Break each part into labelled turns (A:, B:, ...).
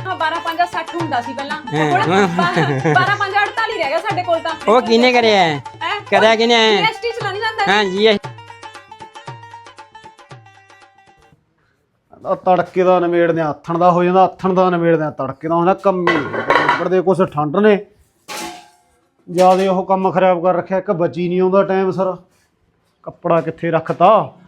A: 12 5 60 ਹੁੰਦਾ ਸੀ ਪਹਿਲਾਂ 12 5 48 ਰਹਿ ਗਿਆ ਸਾਡੇ ਕੋਲ ਤਾਂ
B: ਉਹ ਕਿਹਨੇ ਕਰਿਆ ਕਰਿਆ ਕਿਹਨੇ
A: ਜੀਐਸਟੀ ਚਲਾ ਨਹੀਂ ਜਾਂਦਾ
B: ਹਾਂ ਜੀ
C: ਤੜਕੇ ਦਾ ਨਵੇੜਦੇ ਆਥਣ ਦਾ ਹੋ ਜਾਂਦਾ ਆਥਣ ਦਾ ਨਵੇੜਦੇ ਤੜਕੇ ਦਾ ਹੁੰਦਾ ਕੰਮੀ ਬੜਦੇ ਕੁਛ ਠੰਡ ਨੇ ਜਿਆਦੇ ਉਹ ਕੰਮ ਖਰਾਬ ਕਰ ਰੱਖਿਆ ਇੱਕ ਬੱਚੀ ਨਹੀਂ ਆਉਂਦਾ ਟਾਈਮ ਸਰ ਕੱਪੜਾ ਕਿੱਥੇ ਰੱਖਤਾ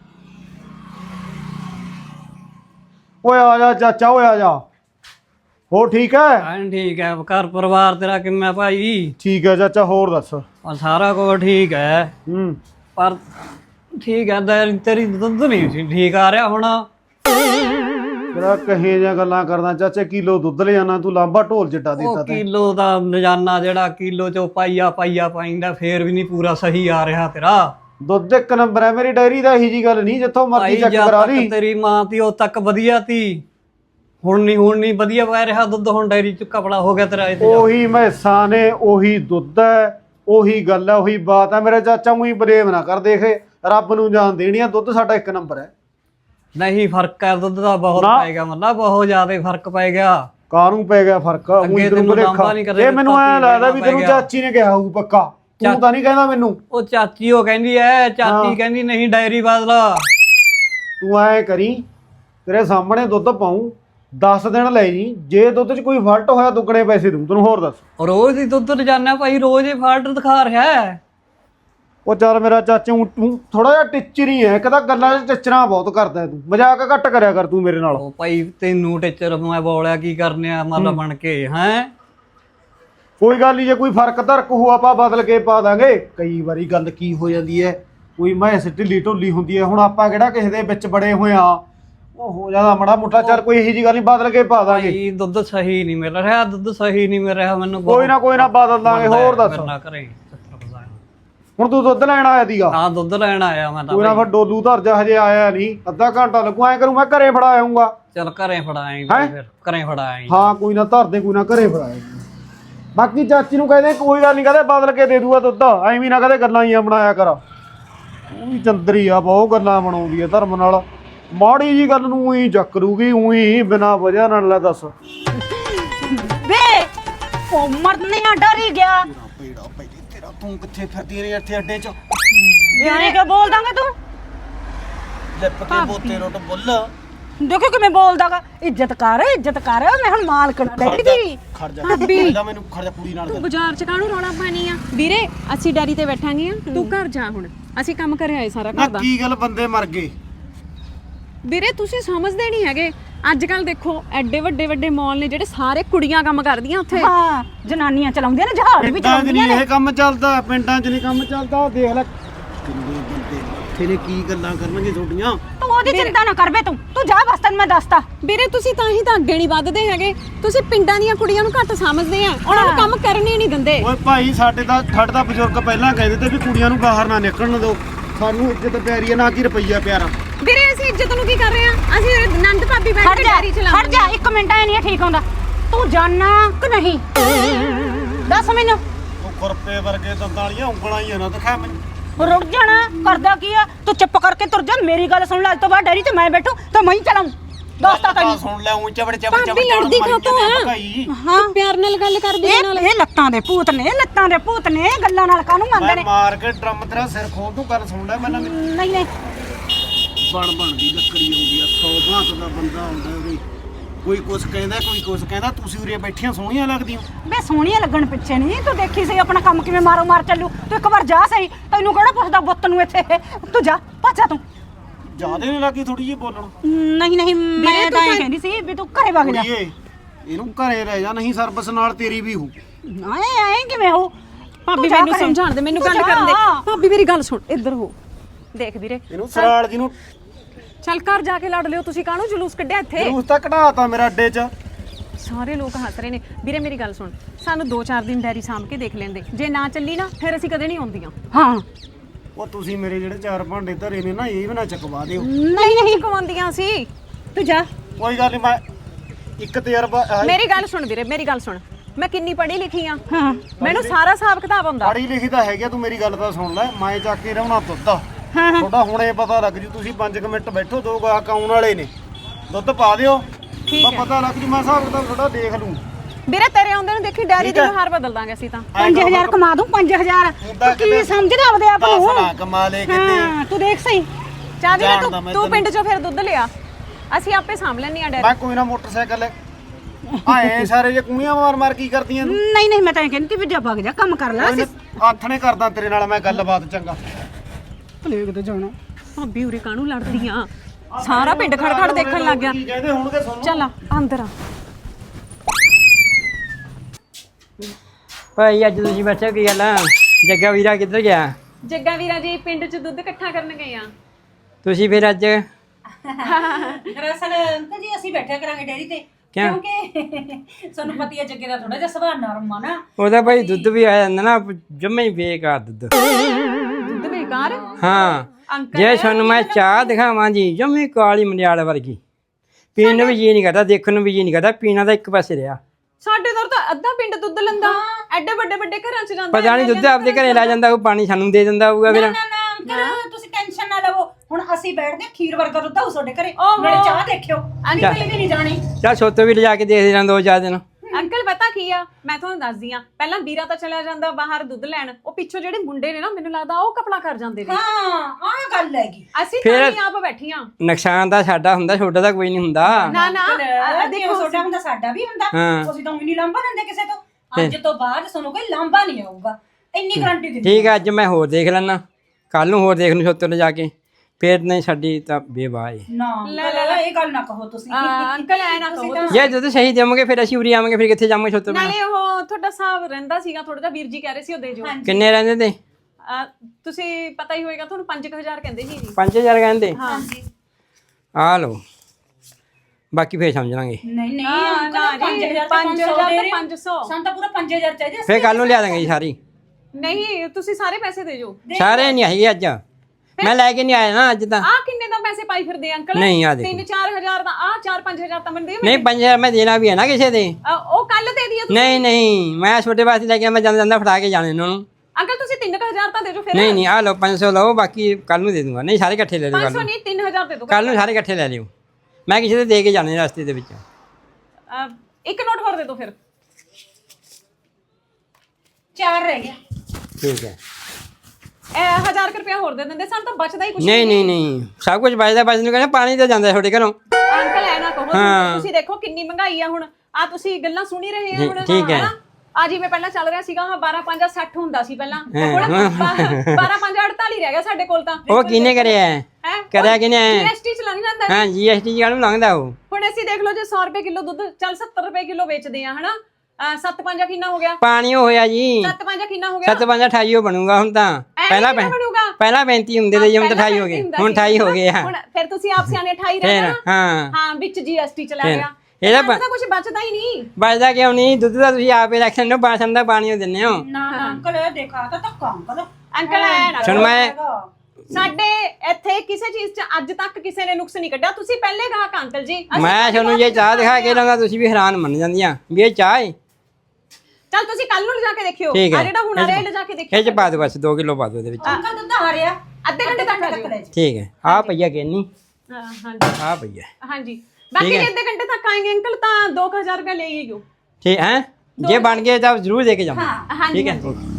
C: ਓਏ ਆ ਜਾ ਚਾਚਾ ਓਏ ਆ ਜਾ ਹੋ ਠੀਕ ਹੈ
D: ਹਾਂ ਠੀਕ ਹੈ ਘਰ ਪਰਿਵਾਰ ਤੇਰਾ ਕਿਵੇਂ ਭਾਈ
C: ਠੀਕ ਹੈ ਚਾਚਾ ਹੋਰ ਦੱਸ
D: ਸਾਰਾ ਕੁਝ ਠੀਕ ਹੈ ਪਰ ਠੀਕ ਹੈ ਤੇਰੀ ਦੁੱਧ ਨਹੀਂ ਸੀ ਠੀਕ ਆ ਰਿਹਾ ਹੁਣ
C: ਤੇਰਾ ਕਹੇ ਜਿਹੀਆਂ ਗੱਲਾਂ ਕਰਦਾ ਚਾਚਾ ਕਿਲੋ ਦੁੱਧ ਲੈ ਜਾਣਾ ਤੂੰ ਲਾਂਬਾ ਢੋਲ ਜਿੱਡਾ ਦਿੱਤਾ
D: ਤੇ ਕਿਲੋ ਦਾ ਨਜ਼ਾਨਾ ਜਿਹੜਾ ਕਿਲੋ ਚੋਂ ਪਾਈਆ ਪਾਈਂਦਾ ਫੇਰ ਵੀ ਨਹੀਂ ਪੂਰਾ ਸਹੀ ਆ ਰਿਹਾ ਤੇਰਾ
C: ਦੁੱਧ ਇੱਕ ਨੰਬਰ ਹੈ ਮੇਰੀ ਡਾਇਰੀ ਦਾ ਇਹੀ ਜੀ ਗੱਲ ਨਹੀਂ ਜਿੱਥੋਂ ਮਰਜ਼ੀ ਚੈੱਕ ਕਰਾ ਲਈ
D: ਤੇਰੀ ਮਾਂ ਤੀ ਉਹ ਤੱਕ ਵਧੀਆ ਤੀ ਹੁਣ ਨਹੀਂ ਵਧੀਆ ਪੈ ਰਿਹਾ ਦੁੱਧ ਹੁਣ ਡਾਇਰੀ ਚ ਕਪੜਾ ਹੋ ਗਿਆ ਤੇਰਾ
C: ਉਹੀ ਮੈਸਾਂ ਨੇ ਉਹੀ ਦੁੱਧ ਹੈ ਉਹੀ ਗੱਲ ਹੈ ਉਹੀ ਬਾਤ ਹੈ ਮੇਰੇ ਚਾਚਾ ਉਹੀ ਬਰੇਵ ਨਾ ਕਰ ਦੇਖੇ ਰੱਬ ਨੂੰ ਜਾਨ ਦੇਣੀ ਆ ਦੁੱਧ ਸਾਡਾ ਇੱਕ ਨੰਬਰ ਹੈ
D: ਨਹੀਂ ਫਰਕ ਹੈ ਦੁੱਧ ਦਾ ਬਹੁਤ ਪੈ ਗਿਆ ਮਤਲਬ ਬਹੁਤ ਜ਼ਿਆਦਾ ਫਰਕ ਪੈ ਗਿਆ
C: ਕਾਹਨੂੰ ਪੈ ਗਿਆ ਫਰਕ ਇਹ ਮੈਨੂੰ ਐ ਲੱਗਦਾ ਵੀ ਤੈਨੂੰ ਚਾਚੀ ਨੇ ਕਿਹਾ ਹੋਊ ਪੱਕਾ ਤੂੰ ਤਾਂ ਨਹੀਂ ਕਹਿੰਦਾ ਮੈਨੂੰ
D: ਉਹ ਚਾਚੀ ਉਹ ਕਹਿੰਦੀ ਐ ਚਾਚੀ ਕਹਿੰਦੀ ਨਹੀਂ ਡਾਇਰੀ ਬਦਲਾ
C: ਤੂੰ ਐ ਕਰੀ ਤੇਰੇ ਸਾਹਮਣੇ ਦੁੱਧ ਪਾਉਂ 10 ਦਿਨ ਲੈ ਜੀ ਜੇ ਦੁੱਧ 'ਚ ਕੋਈ ਫਾਲਟ ਹੋਇਆ ਦੁੱਗਣੇ ਪੈਸੇ ਦੂੰ ਤੈਨੂੰ ਹੋਰ ਦੱਸ
D: ਰੋਜ਼ ਹੀ ਦੁੱਧ ਰਜਾਨਾ ਭਾਈ ਰੋਜ਼ ਹੀ ਫਾਲਟ ਦਿਖਾ ਰਿਹਾ
C: ਉਹ ਚੱਲ ਮੇਰਾ ਚਾਚਾ ਤੂੰ ਥੋੜਾ ਜਿਹਾ ਟੀਚਰ ਹੀ ਹੈ ਕਦਾ ਗੱਲਾਂ 'ਚ ਟੀਚਰਾਂ ਬਹੁਤ ਕਰਦਾ ਤੂੰ ਮਜ਼ਾਕ ਘੱਟ ਕਰਿਆ ਕਰ ਤੂੰ ਮੇਰੇ ਨਾਲ
D: ਉਹ ਭਾਈ ਤੈਨੂੰ ਟੀਚਰ ਮੈਂ ਬੋਲਿਆ ਕੀ ਕਰਨੇ ਆ ਮਤਲਬ ਬਣ ਕੇ ਹੈ
C: ਕੋਈ ਗੱਲ ਨਹੀਂ ਜੇ ਕੋਈ ਫਰਕ ਧਰਕ ਹੋ ਆਪਾਂ ਬਦਲ ਕੇ ਪਾ ਦਾਂਗੇ ਕਈ ਵਾਰੀ ਗੱਲ ਕੀ ਹੋ ਜਾਂਦੀ ਹੈ ਕੋਈ ਮੈਸ ਢਿੱਲੀ ਢੋਲੀ ਹੁੰਦੀ ਹੈ ਹੁਣ ਆਪਾਂ ਕਿਹੜਾ ਕਿਸੇ ਦੇ ਵਿੱਚ ਬੜੇ ਹੋਏ ਆ ਉਹ ਹੋ ਜਾਂਦਾ ਮਾੜਾ ਮੋਟਾ ਚੱਲ ਕੋਈ ਇਹੀ ਜੀ ਗੱਲ ਨਹੀਂ ਬਦਲ ਕੇ ਪਾ ਦਾਂਗੇ
D: ਭਾਈ ਦੁੱਧ ਸਹੀ ਨਹੀਂ ਮਿਲ ਰਿਹਾ ਮੈਨੂੰ
C: ਕੋਈ ਨਾ ਬਦਲ ਦਾਂਗੇ ਹੋਰ ਦੱਸ ਹੁਣ ਤੂੰ ਦੁੱਧ ਲੈਣ ਆਇਆ ਸੀਗਾ
D: ਹਾਂ ਦੁੱਧ ਲੈਣ ਆਇਆ ਮੈਂ ਤਾਂ
C: ਕੋਈ ਨਾ ਫਿਰ ਡੋਲੂ ਧਰ ਜਾ ਹਜੇ ਆਇਆ ਨਹੀਂ ਅੱਧਾ ਘੰਟਾ ਲੱਗੂ ਐ ਕਰੂੰ ਮੈਂ ਘਰੇ ਫੜਾ ਆਉਂਗਾ
D: ਚੱਲ ਘਰੇ ਫੜਾਏਂਗੇ ਫਿਰ ਘਰੇ ਫੜਾਏਂਗੇ
C: ਹਾਂ ਕੋਈ ਨਾ ਧਰ ਦੇ ਕੋਈ ਨਾ ਘਰੇ ਫੜਾਏ ਬਾਕੀ ਚਾਚੀ ਨੂੰ ਕਹਦੇ ਕੋਈ ਗੱਲ ਨਹੀਂ ਕਹਦੇ ਬਦਲ ਕੇ ਦੇ ਦੂਗਾ ਦੁੱਧ ਐਵੇਂ ਨਾ ਕਹਦੇ ਗੱਲਾਂ ਹੀ ਬਣਾਇਆ ਕਰ ਉਹ ਵੀ ਚੰਦਰੀ ਆ ਬਹੁਤ ਗੱਲਾਂ ਬਣਾਉਂਦੀ ਆ ਧਰਮ ਨਾਲ ਮਾੜੀ ਜੀ ਗੱਲ ਨੂੰ ਉਹੀ ਚੱਕਰੂਗੀ ਉਹੀ ਬਿਨਾ ਵਜ੍ਹਾ ਨਾਲ ਲੈ ਦੱਸ
E: ਵੇ ਉਹ ਮਰਨੇ ਆ ਡਰ ਹੀ ਗਿਆ
C: ਤੇਰਾ ਤੂੰ ਕਿੱਥੇ ਫਿਰਦੀ ਰਹੀ ਇੱਥੇ ਅੱਡੇ 'ਚ
E: ਯਾਰੇ ਕਿ ਬੋਲ ਦਾਂਗੇ ਤੂੰ
C: ਲਿਪ ਕੇ ਬੋਤੇ ਰੋਟ ਬੁੱਲ
E: ਦੇਖੋ ਕਿਵੇਂ ਬੋਲਦਾਗਾ ਇੱਜ਼ਤ ਕਰ ਮੈਂ ਹੁਣ ਮਾਲਕਣ ਡੈਡੀ
C: ਖੜ ਜਾ ਮੈਨੂੰ ਖੜ ਜਾ ਕੁੜੀ ਨਾਲ
A: ਤੂੰ ਬਾਜ਼ਾਰ 'ਚ ਕਾਹਨੂੰ ਰੌਲਾ ਪਾਣੀ ਆ ਵੀਰੇ ਅਸੀਂ ਡੈਰੀ ਤੇ ਬੈਠਾਂਗੇ ਤੂੰ ਘਰ ਜਾ ਹੁਣ ਅਸੀਂ ਕੰਮ ਕਰਿਆ ਏ ਸਾਰਾ ਘਰ ਦਾ
C: ਕੀ ਗੱਲ ਬੰਦੇ ਮਰ ਗਏ
A: ਵੀਰੇ ਤੁਸੀਂ ਸਮਝਦੇ ਨਹੀਂ ਹੈਗੇ ਅੱਜ ਕੱਲ ਦੇਖੋ ਐਡੇ ਵੱਡੇ ਮਾਲ ਨੇ ਜਿਹੜੇ ਸਾਰੇ ਕੁੜੀਆਂ ਕੰਮ ਕਰਦੀਆਂ ਉੱਥੇ
E: ਹਾਂ ਜਨਾਨੀਆਂ ਚਲਾਉਂਦੀਆਂ ਨੇ ਜਹਾਜ਼ ਵੀ ਚਲਾਉਂਦੀਆਂ ਨੇ
C: ਇਹ ਕੰਮ ਚੱਲਦਾ ਪਿੰਡਾਂ 'ਚ ਨਹੀਂ ਕੰਮ ਚੱਲਦਾ ਦੇਖ ਲੈ ਕਿੰਨੇ ਬੰਦੇ ਇੱਥੇ ਨੇ ਕੀ ਗੱਲਾਂ ਕਰਨਗੇ ਤੁਹਾਡੀਆਂ
E: ਤੂੰ ਉਹਦੀ ਚਿੰਤਾ ਨਾ ਕਰ ਬੇ ਤੂੰ ਜਾ ਬਸ ਤੈਨੂੰ ਮੈਂ ਦੱਸਤਾ
A: ਵੀਰੇ ਤੁਸੀਂ ਤਾਂ ਹੀ ਤਾਂ ਅੱਗੇ ਨਹੀਂ ਵੱਧਦੇ ਹੈਗੇ ਤੁਸੀਂ ਪਿੰਡਾਂ ਦੀਆਂ ਕੁੜੀਆਂ ਨੂੰ ਘੱਟ ਸਮਝਦੇ ਆ ਉਹਨਾਂ ਨੂੰ ਕੰਮ ਕਰਨ ਹੀ ਨਹੀਂ ਦਿੰਦੇ
C: ਓਏ ਭਾਈ ਸਾਡੇ ਦਾ ਬਜ਼ੁਰਗ ਪਹਿਲਾਂ ਕਹਿੰਦੇ ਤੇ ਵੀ ਕੁੜੀਆਂ ਨੂੰ ਬਾਹਰ ਨਾ ਨਿਕਲਣ ਦਿਓ ਸਾਨੂੰ ਇੱਜ਼ਤ ਪਿਆਰੀ ਹੈ ਨਾ ਕਿ ਰੁਪਈਆ ਪਿਆਰਾ
A: ਵੀਰੇ ਅਸੀਂ ਇੱਜ਼ਤ ਨੂੰ ਕੀ ਕਰ ਰਹੇ ਆ ਅਸੀਂ ਨੰਦ ਭਾਬੀ ਬੈਠ ਕੇ ਡੈਰੀ ਚਲਾਉਂਦੇ
E: ਹਟ ਜਾ 1 ਮਿੰਟ ਐ ਨਹੀਂ ਠੀਕ ਹੁੰਦਾ ਤੂੰ ਜਾਣਾ ਕਿ ਨਹੀਂ ਦੱਸ ਮੈਨੂੰ
C: ਉਹ ਖੁਰਪੇ ਵਰਗੇ ਦੰਦਾਲੀਆਂ ਉਂਗਲਾਂ ਹੀ ਆ ਨਾ ਦਿਖਾ ਮੈਨੂੰ
E: ਰੁਕ ਜਾਣਾ ਕਰਦਾ ਕੀ ਆ ਤੂੰ ਚੁੱਪ ਕਰਕੇ ਤੁਰ ਜਾ ਮੇਰੀ ਗੱਲ ਸੁਣ ਲੈ ਅੱਜ ਤੋਂ ਬਾਅਦ ਡੈਰੀ ਤੇ ਮੈਂ ਬੈਠੂ ਤੇ ਮੈਂ ਹੀ ਚਲਾਉਂ ਦੱਸਤਾ ਤੈਨੂੰ
C: ਸੁਣ ਲੈ ਉਂ ਚਵੜ
A: ਭਾਬੀ ਲੜਦੀ ਖਾਤੋਂ ਆ ਹਾਂ ਪਿਆਰ ਨਾਲ ਗੱਲ ਕਰਦੀ ਨਾਲ
E: ਇਹ ਲੱਤਾਂ ਦੇ ਭੂਤ ਨੇ ਗੱਲਾਂ ਨਾਲ ਕਾਹਨੂੰ ਮੰਨਦੇ ਨੇ
C: ਮਾਰ ਕੇ ਡਰਮ ਤੇਰਾ ਸਿਰ ਖੋਲ ਤੂੰ ਗੱਲ ਸੁਣ ਲੈ ਮੈਨੂੰ
E: ਨਹੀਂ
C: ਬਣਦੀ ਲੱਕੜੀ ਆਉਂਦੀ ਆ 100 ਭਾਂਤ ਦਾ ਬੰਦਾ ਆਉਂਦਾ ਉਹਦੀ ਕੋਈ ਕੁਛ ਕਹਿੰਦਾ ਤੁਸੀਂ ਉਰੇ ਬੈਠੀਆਂ ਸੋਹਣੀਆਂ ਲੱਗਦੀਆਂ
E: ਬੇ ਸੋਹਣੀਆਂ ਲੱਗਣ ਪਿੱਛੇ ਨਹੀਂ ਤੂੰ ਦੇਖੀ ਸਹੀ ਆਪਣਾ ਕੰਮ ਕਿਵੇਂ ਮਾਰ ਚੱਲੂ ਤੂੰ ਇੱਕ ਵਾਰ ਜਾ ਸਹੀ ਤੈਨੂੰ ਕਿਹੜਾ ਪੁੱਛਦਾ ਬੁੱਤ ਨੂੰ ਇੱਥੇ ਤੂੰ ਜਾ ਭੱਜਾ ਤੂੰ
C: ਜਿਆਦੇ ਨਹੀਂ ਲੱਗੀ ਥੋੜੀ ਜਿਹੀ ਬੋਲਣ
E: ਨਹੀਂ ਮੈਂ ਤਾਂ ਇਹ ਕਹਿੰਦੀ ਸੀ ਵੀ ਤੂੰ ਘਰੇ ਵਗ ਜਾ
C: ਇਹਨੂੰ ਘਰੇ ਰਹਿ ਜਾ ਨਹੀਂ ਸਰਵਿਸ ਨਾਲ ਤੇਰੀ ਵੀ ਹੋ
E: ਆਏ ਕਿਵੇਂ ਹੋ
A: ਭਾਬੀ ਮੈਨੂੰ ਸਮਝਾਣ ਦੇ ਮੈਨੂੰ ਗੱਲ ਕਰਨ ਦੇ ਭਾਬੀ ਮੇਰੀ ਗੱਲ ਸੁਣ ਇੱਧਰ ਹੋ ਦੇਖ ਵੀਰੇ
C: ਇਹਨੂੰ ਸਰਾਲ ਜੀ ਨੂੰ
A: ਚੱਲ ਘਰ ਜਾ ਕੇ ਲੜ ਲਿਓ ਤੁਸੀਂ ਕਾਹਨੂੰ ਜਲੂਸ ਕੱਢਿਆ ਇੱਥੇ
C: ਜਲੂਸ ਤਾਂ ਕਢਾਤਾ ਮੇਰਾ ਅੱਡੇ 'ਚ
A: ਸਾਰੇ ਲੋਕ ਹੱਸ ਰਹੇ ਨੇ ਵੀਰੇ ਮੇਰੀ ਗੱਲ ਸੁਣ ਸਾਨੂੰ 2-4 ਦਿਨ ਡੈਰੀ ਸਾਂਭ ਕੇ ਦੇਖ ਲੈਂਦੇ ਜੇ ਨਾ ਚੱਲੀ ਨਾ ਫਿਰ ਅਸੀਂ ਕਦੇ ਨਹੀਂ ਆਉਂਦੀਆਂ
E: ਹਾਂ
C: ਉਹ ਤੁਸੀਂ ਮੇਰੇ ਜਿਹੜੇ 4 ਭਾਂਡੇ ਧਰੇ ਨੇ ਨਾ ਇਹ ਵੀ ਨਾ ਚਕਵਾ ਦਿਓ
A: ਨਹੀਂ ਕਮਾਉਂਦੀਆਂ ਸੀ
E: ਤੂੰ ਜਾ
C: ਕੋਈ ਗੱਲ ਨਹੀਂ ਮੈਂ ਇੱਕ ਤਜਰਬਾ
A: ਮੇਰੀ ਗੱਲ ਸੁਣ ਵੀਰੇ ਮੇਰੀ ਗੱਲ ਸੁਣ ਮੈਂ ਕਿੰਨੀ ਪੜ੍ਹੀ ਲਿਖੀ ਆ ਮੈਨੂੰ ਸਾਰਾ ਹਿਸਾਬ ਕਿਤਾਬ ਆਉਂਦਾ
C: ਪੜ੍ਹੀ ਲਿਖੀ ਤਾਂ ਹੈਗੀ ਤੂੰ ਮੇਰੀ ਗੱਲ ਤਾਂ ਸੁਣ ਲੈ ਮੈਂ ਚੱਕ ਕੇ ਰਹਿਣਾ ਦੁੱਧ ਤੁਹਾਡਾ ਹੁਣੇ ਪਤਾ ਲੱਗ ਜੂ ਤੁਸੀਂ 5 ਮਿੰਟ ਬੈਠੋ 2 ਗਾਹਕ ਆਉਣ ਵਾਲੇ ਨੇ ਦੁੱਧ ਪਾ ਦਿਓ
A: ਠੀਕ ਹੈ
C: ਪਤਾ ਲੱਗ ਜੂ ਮੈਂ ਹਿਸਾਬ ਕਿਤਾਬ ਥੋੜਾ ਦੇਖ ਲੂੰ।
A: ਵੀਰੇ ਤੇਰੇ ਆਉਂਦੇ ਨੂੰ ਦੇਖੀ ਡੈਰੀ ਦੀ ਹਾਰ ਬਦਲ ਦਾਂਗੇ ਅਸੀਂ ਤਾਂ
E: 5000 ਕਮਾ ਦੂੰ 5000 ਤੂੰ ਕੀ ਸਮਝਦਾ ਆਪਦੇ ਆਪ ਨੂੰ
C: ਨਾ ਕਮਾ ਲੈ ਕਿਤੇ
E: ਹਾਂ ਤੂੰ ਦੇਖ ਸਹੀ
A: ਚਾਹ ਵੀਰੇ ਤੂੰ ਪਿੰਡ ਚੋਂ ਫਿਰ ਦੁੱਧ ਲਿਆ ਅਸੀਂ ਆਪੇ ਸਾਂਭ ਲੈਣੀ ਆ ਡੈਰੀ
C: ਮੈਂ ਕੋਈ ਨਾ ਮੋਟਰਸਾਈਕਲ ਆਏ ਸਾਰੇ ਜੇ ਕੁਣੀਆਂ ਮਾਰ ਕੀ ਕਰਦੀਆਂ ਤੂੰ?
E: ਨਹੀਂ ਮੈਂ ਤਾਂ ਕਹਿੰਦੀ ਵੀ ਜਾ ਭਗ ਜਾ ਕੰਮ ਕਰ ਲੈ ਅਸੀਂ
C: ਹੱਥ ਨੇ ਕਰਦਾ ਤੇਰੇ ਨਾਲ ਮੈਂ ਗੱਲਬਾਤ ਚੰਗਾ।
E: ਪਲੇਗ ਤੇ ਜਾਣਾ
A: ਭਾਬੀ ਉਰੇ ਕਾਹਨੂੰ ਲੜਦੀਆਂ ਸਾਰਾ ਪਿੰਡ ਖੜ ਦੇਖਣ ਲੱਗ ਗਿਆ
C: ਕੀ ਕਹਿੰਦੇ ਹੋਣਗੇ ਤੁਹਾਨੂੰ?
A: ਚੱਲ ਆ, ਅੰਦਰ ਆ
B: ਭਾਈ ਅੱਜ ਤੁਸੀਂ ਬੈਠੇ ਕੀ ਗੱਲ ਆ? ਜੱਗਾ ਵੀਰਾ ਕਿੱਧਰ ਗਿਆ?
A: ਜੱਗਾ ਵੀਰਾ ਜੀ ਪਿੰਡ 'ਚ ਦੁੱਧ ਇਕੱਠਾ ਕਰਨ ਗਏ ਆ
B: ਤੁਸੀਂ ਫਿਰ ਅੱਜ
E: ਦਰਅਸਲ ਅੰਕਲ ਜੀ ਅਸੀਂ ਬੈਠਿਆ ਕਰਾਂਗੇ ਡੇਰੀ ਤੇ
B: ਕਿਉਂ?
E: ਕਿਉਂਕਿ ਸਾਨੂੰ ਪਤੀ ਹੈ ਜੱਗੇ ਦਾ ਥੋੜਾ ਜਿਹਾ ਸੁਭਾਅ ਨਰਮ ਆ ਨਾ
B: ਉਹਦਾ ਭਾਈ ਦੁੱਧ ਵੀ ਆ ਜਾਂਦਾ ਨਾ ਜੰਮੇ ਹੀ ਬੇਕਾਰ ਦੁੱਧ।
A: ਦੁੱਧ ਬੇਕਾਰ
B: ਹਾਂ
A: ਅੰਕਲ
B: ਜੇ ਤੁਹਾਨੂੰ ਮੈਂ ਚਾਹ ਦਿਖਾਵਾਂ ਜੀ ਜੰਮੀ ਕਾਲੀ ਮੰਡਿਆਲ ਵਰਗੀ, ਪੀਣ ਨੂੰ ਵੀ ਜੀ ਨਹੀਂ ਕਰਦਾ, ਦੇਖਣ ਨੂੰ ਵੀ ਜੀ ਨਹੀਂ ਕਰਦਾ, ਪੀਣਾ ਤਾਂ ਇੱਕ ਪਾਸੇ ਰਿਹਾ।
A: ਸਾਡੇ ਤੋਂ ਤਾਂ ਅੱਧਾ ਪਿੰਡ ਦੁੱਧ ਲੈਂਦਾ ਐਡੇ ਵੱਡੇ ਘਰਾਂ 'ਚ ਜਾਂਦਾ
B: ਪਤਾ ਨਹੀਂ ਦੁੱਧ ਆਪਦੇ ਘਰੇ ਲੈ ਜਾਂਦਾ, ਉਹ ਪਾਣੀ ਸਾਨੂੰ ਦੇ ਦਿੰਦਾ ਹੋਊਗਾ ਫਿਰ।
E: ਨਾ ਅੰਕਲ ਤੁਸੀਂ ਟੈਨਸ਼ਨ ਨਾ ਲਵੋ, ਹੁਣ ਅਸੀਂ ਬੈਠਦੇ ਖੀਰ ਵਰਗਾ ਦੁੱਧ ਆਉ ਤੁਹਾਡੇ ਘਰੇ
A: ਓਹੋ।
E: ਨਾਲੇ ਚਾਹ ਦੇਖਿਓ ਨਿਕਲ ਵੀ ਨਹੀਂ ਜਾਣੀ।
B: ਚੱਲ ਸੋਤੋਂ ਵੀ ਲਿਜਾ ਕੇ ਦੇ ਦੇਣਾ 2-4 ਦਿਨ।
A: ਅੰਕਲ ਪਤਾ ਕੀ ਆ ਮੈਂ ਤੁਹਾਨੂੰ ਦੱਸਦੀ ਆ ਪਹਿਲਾਂ ਵੀਰਾ ਤਾਂ ਚਲਿਆ ਜਾਂਦਾ ਬਾਹਰ ਦੁੱਧ ਲੈਣ, ਉਹ ਪਿੱਛੋਂ ਜਿਹੜੇ ਮੁੰਡੇ ਨੇ ਨਾ ਮੈਨੂੰ ਲੱਗਦਾ ਉਹ ਕਪੜਾ ਕਰ ਜਾਂਦੇ ਨੇ।
E: ਹਾਂ ਆਹ ਗੱਲ ਹੈਗੀ।
A: ਅਸੀਂ ਤਾਂ ਹੀ ਆਪ ਬੈਠੀਆਂ
B: ਨੁਕਸਾਨ ਤਾਂ ਸਾਡਾ ਹੁੰਦਾ, ਛੋਟਾ ਤਾਂ ਕੋਈ ਨਹੀਂ ਹੁੰਦਾ।
A: ਨਾ
E: ਦੇਖੋ ਤੁਹਾਡਾ ਹੁੰਦਾ ਸਾਡਾ ਵੀ ਹੁੰਦਾ,
B: ਹਾਂ।
E: ਅਸੀਂ ਤਾਂ ਉਹੀ ਨਹੀਂ ਲਾਂਭਾ ਦਿੰਦੇ ਕਿਸੇ ਤੋਂ। ਅੱਜ ਤੋਂ ਬਾਅਦ ਸਾਨੂੰ ਕੋਈ ਲਾਂਭਾ ਨਹੀਂ ਆਊਗਾ, ਇੰਨੀ ਗਾਰੰਟੀ ਦਿੰਦੀ।
B: ਠੀਕ ਹੈ ਅੱਜ ਮੈਂ ਹੋਰ ਦੇਖ ਲੈਣਾ, ਕੱਲ ਨੂੰ ਹੋਰ ਦੇਖ ਲੂ ਸੋਤੋਂ ਲਿਜਾ ਕੇ, ਫੇਰ ਨਹੀਂ ਸਾਡੀ ਤਾਂ ਬੇਵਾਹ ਹੈ।
E: ਨਾ ਅੰਕਲ ਇਹ ਗੱਲ ਨਾ ਕਹੋ ਤੁਸੀਂ।
A: ਅੰਕਲ ਐ ਨਾ ਕਹੋ
B: ਜੇ ਦੁੱਧ ਸਹੀ ਦੇਵੋਗੇ ਫਿਰ ਅਸੀਂ ਉਰੀ ਆਵਾਂਗੇ, ਫਿਰ ਕਿੱਥੇ ਜਾਵਾਂਗੇ ਸੋਤੋਂ ਬਿਨਾਂ?
A: ਨਾਲੇ ਉਹ ਤੁਹਾਡਾ ਹਿਸਾਬ ਰਹਿੰਦਾ ਸੀਗਾ ਥੋੜਾ ਜਿਹਾ, ਵੀਰ ਜੀ ਕਹਿ ਰਹੇ ਸੀ ਉਹ ਦੇ ਜੋ
B: ਕਿੰਨੇ ਰਹਿੰਦੇ ਤੇ?
A: ਤੁਸੀਂ ਪਤਾ ਹੀ ਹੋਏਗਾ ਤੁਹਾਨੂੰ 5000 ਕਹਿੰਦੇ ਸੀ ਜੀ।
B: 5000 ਕਹਿੰਦੇ?
A: ਹਾਂ
B: ਆ ਲਓ, ਬਾਕੀ ਫੇਰ ਸਮਝ ਲਾਂਗੇ।
E: ਨਹੀਂ
A: ਨਾ ਜੀ 5000 ਤਾਂ 500
E: ਸਾਨੂੰ ਤਾਂ ਪੂਰਾ 5000 ਚਾਹੀਦਾ।
B: ਫੇਰ ਕੱਲ ਨੂੰ ਲਿਆ ਦਾਂਗੇ ਜੀ ਸਾਰੀ।
A: ਨਹੀਂ ਤੁਸੀਂ ਸਾਰੇ ਪੈਸੇ ਦੇ ਜੋ।
B: ਸਾਰੇ ਨਹੀਂ ਆਈ ਅੱਜ, ਮੈਂ ਲੈ ਕੇ ਨਹੀਂ ਆਇਆ ਨਾ ਅੱਜ ਤਾਂ।
A: ਆ ਕਿੰਨੇ ਦਾ ਪੈਸੇ ਪਾਈ ਫਿਰਦੇ ਅੰਕਲ?
B: ਨਹੀਂ ਆ ਦੇਖੋ
A: 3-4000 ਦਾ ਆ 4-5000 ਤਾਂ ਮੈਨੂੰ ਦੇ।
B: ਨਹੀਂ 5000 ਮੈਂ ਦੇਣਾ ਵੀ ਹੈ ਨਾ ਕਿਸੇ ਦੇ।
A: ਉਹ ਕੱਲ ਦੇ ਦਿਓ ਤੁਸੀਂ।
B: ਨਹੀਂ ਮੈਂ ਛੋਟੇ ਵਾਸਤੇ ਲੈ ਕੇ ਮੈਂ ਜਾਂਦਾ ਫੜਾ ਕੇ ਜਾਣੇ ਇਹਨਾਂ ਨੂੰ।
A: ਅੰਕਲ ਤੁਸੀਂ 3000 ਤਾਂ ਦੇ ਜੋ ਫਿਰ।
B: ਨਹੀਂ ਆ ਲਓ 500 ਲਓ, ਬਾਕੀ ਕੱਲ ਨੂੰ ਦੇ ਦੂੰਗਾ। ਨਹੀਂ ਸਾਰੇ ਇਕੱਠੇ ਲੈ ਲਿਓ ਕੱਲ
A: 500
B: ਨੂੰ,
A: ਨਹੀਂ 3000 ਦੇ ਦੋ।
B: ਕੱਲ ਨੂੰ ਸਾਰੇ ਇਕੱਠੇ ਲੈ ਲਿਓ। ਮੈਂ ਕਿਸੇ ਦੇ ਕੇ ਜਾਣੇ ਰਸਤੇ ਦੇ ਵਿੱਚ।
A: ਇੱਕ ਨੋਟ ਹੋਰ ਦੇ ਦੋ ਫਿਰ।
E: 4 ਰਹਿ ਗਿਆ।
B: ਠੀਕ ਹੈ।
A: 1000 ਰੁਪਇਆ ਹੋਰ ਦੇ ਦਿੰਦੇ ਸਾਨੂੰ ਤਾਂ ਬਚਦਾ ਹੀ ਕੁਝ
B: ਨਹੀਂ ਸਭ ਕੁਝ ਬਚਦਾ ਨੂੰ ਕਹਿੰਦਾ, ਪਾਣੀ ਤਾਂ ਜਾਂਦਾ ਤੁਹਾਡੇ ਘਰੋਂ।
A: ਅੰਕਲ ਐ ਨਾ ਕਹੋ, ਤੁਸੀਂ ਦੇਖੋ ਕਿੰਨੀ ਮਹਿੰਗਾਈ ਆ ਹੁਣ। ਆ ਤੁਸੀਂ ਗੱਲਾਂ ਸੁਣੀ ਰਹੇ ਆ ਹੁਣ।
B: ਠੀਕ ਹੈ।
A: ਆ ਜਿਵੇਂ ਪਹਿਲਾਂ ਚੱਲ ਰਿਹਾ ਸੀਗਾ 12-5 60 ਹੁੰਦਾ ਸੀ ਪਹਿਲਾਂ, ਹੁਣ 12-5 48 ਰਹਿ ਗਿਆ ਸਾਡੇ ਕੋਲ ਤਾਂ।
B: ਉਹ ਕਿਹਨੇ ਕਰਿਆ ਹੈ? ਕਰਿਆ ਕਿਹਨੇ?
A: ਜੀਐਸਟੀ ਚ ਲੰਘ ਜਾਂਦਾ।
B: ਹਾਂ GST ਕਾਹਨੂੰ ਲੰਘਦਾ ਉਹ?
A: ਹੁਣ ਅਸੀਂ ਦੇਖ ਲਓ ਜੇ 100 ਰੁਪਏ ਕਿਲੋ ਦੁੱਧ ਚੱਲ 70 ਰੁਪਏ ਕਿਲੋ ਵੇਚਦੇ ਆ ਹਨਾ। 7-5 ਕਿੰਨਾ ਹੋ ਗਿਆ?
B: ਪਾਣੀ ਹੋਇਆ ਜੀ।
A: 7-5 ਕਿੰਨਾ ਹੋ ਗਿਆ?
B: 7-5 28 ਬਣੂਗਾ ਹੁਣ ਤਾਂ। ਪਹਿਲਾਂ 35 ਹੁੰਦੇ ਤੇ ਹੁਣ 28 ਹੋ ਗਏ, ਹੁਣ 28 ਹੋ ਗਏ ਆ।
A: ਹੁਣ ਫਿਰ ਤੁਸੀਂ ਆਪ ਸਿਆਣੇ 28 ਰਹਿ ਗਏ ਨਾ। ਹਾਂ ਵਿੱਚ GST ਚਲਾ ਗਿਆ। ਇਹਦਾ ਤਾਂ ਕੁਝ ਬਚਦਾ ਹੀ ਨਹੀਂ।
B: ਬਚਦਾ ਕਿਉਂ ਨਹੀਂ? ਦੁੱਧ ਦਾ ਤੁਸੀਂ ਆਪੇ ਰੱਖ ਲੈਂਦੇ ਹੋ, ਬਾਸਨ ਦਾ ਪਾਣੀ ਦਿੰਦੇ ਹੋ।
E: ਨਾ ਅੰਕਲ ਇਹ ਦੇਖਾ ਤਾਂ ਧੱਕਾ
A: ਅੰਕਲ ਐ ਨਾ
B: ਸੁਣ ਮੈਂ
A: ਸਾਡੇ ਇੱਥੇ ਕਿਸੇ ਚੀਜ਼ 'ਚ ਅੱਜ ਤੱਕ ਕਿਸੇ ਨੇ ਨੁਕਸ ਨਹੀਂ ਕੱਢਿਆ। ਤੁਸੀਂ ਪਹਿਲੇ ਗਾਹਕ ਅੰਕਲ ਜੀ।
B: ਮੈਂ ਤੁਹਾਨੂੰ ਜੇ ਚਾਹ ਦਿਖਾ ਕੇ ਲਾਂਗਾ ਤੁਸੀਂ ਵੀ ਹੈਰਾਨ ਮੰਨ ਜਾਂਦੀਆਂ ਵੀ ਇਹ ਚਾਹ ਹੈ।
A: ਚੱਲ ਤੁਸੀਂ ਕੱਲ ਨੂੰ ਲਿਜਾ ਕੇ ਦੇਖਿਓ।
B: ਠੀਕ ਹੈ।
A: ਆ ਜਿਹੜਾ ਹੁਣ ਆ ਰਿਹਾ ਲਿਜਾ ਕੇ ਦੇਖਿਓ।
B: ਇਹ ਚ ਪਾ ਦਿਓ ਬਸ 2 ਕਿਲੋ ਪਾ ਦਿਓ ਇਹਦੇ ਵਿੱਚ।
E: ਅੰਕਲ ਦੁੱਧ ਆ ਰਿਹਾ
A: ਅੱਧੇ ਘੰਟੇ ਤੱਕ ਆ ਜਾਓ।
B: ਠੀਕ ਹੈ। ਆ ਪਈਆ ਕਿੰਨੀ?
A: ਹਾਂਜੀ
B: ਆ ਪਈਆ।
A: ਹਾਂਜੀ ਬਾਕੀ ਜੇ ਅੱਧੇ ਘੰਟੇ ਤੱਕ ਆਏंगे ਅੰਕਲ ਤਾਂ 2000 ਰੁਪਏ ਲੈ ਹੀ ਜਾਓ।
B: ਠੀਕ ਹੈ। ਜੇ ਬਣ ਗਏ ਤਾਂ ਜ਼ਰੂਰ ਦੇ ਕੇ ਜਾਵਾਂ।
A: ਹਾਂਜੀ
B: ਠੀਕ ਹੈ।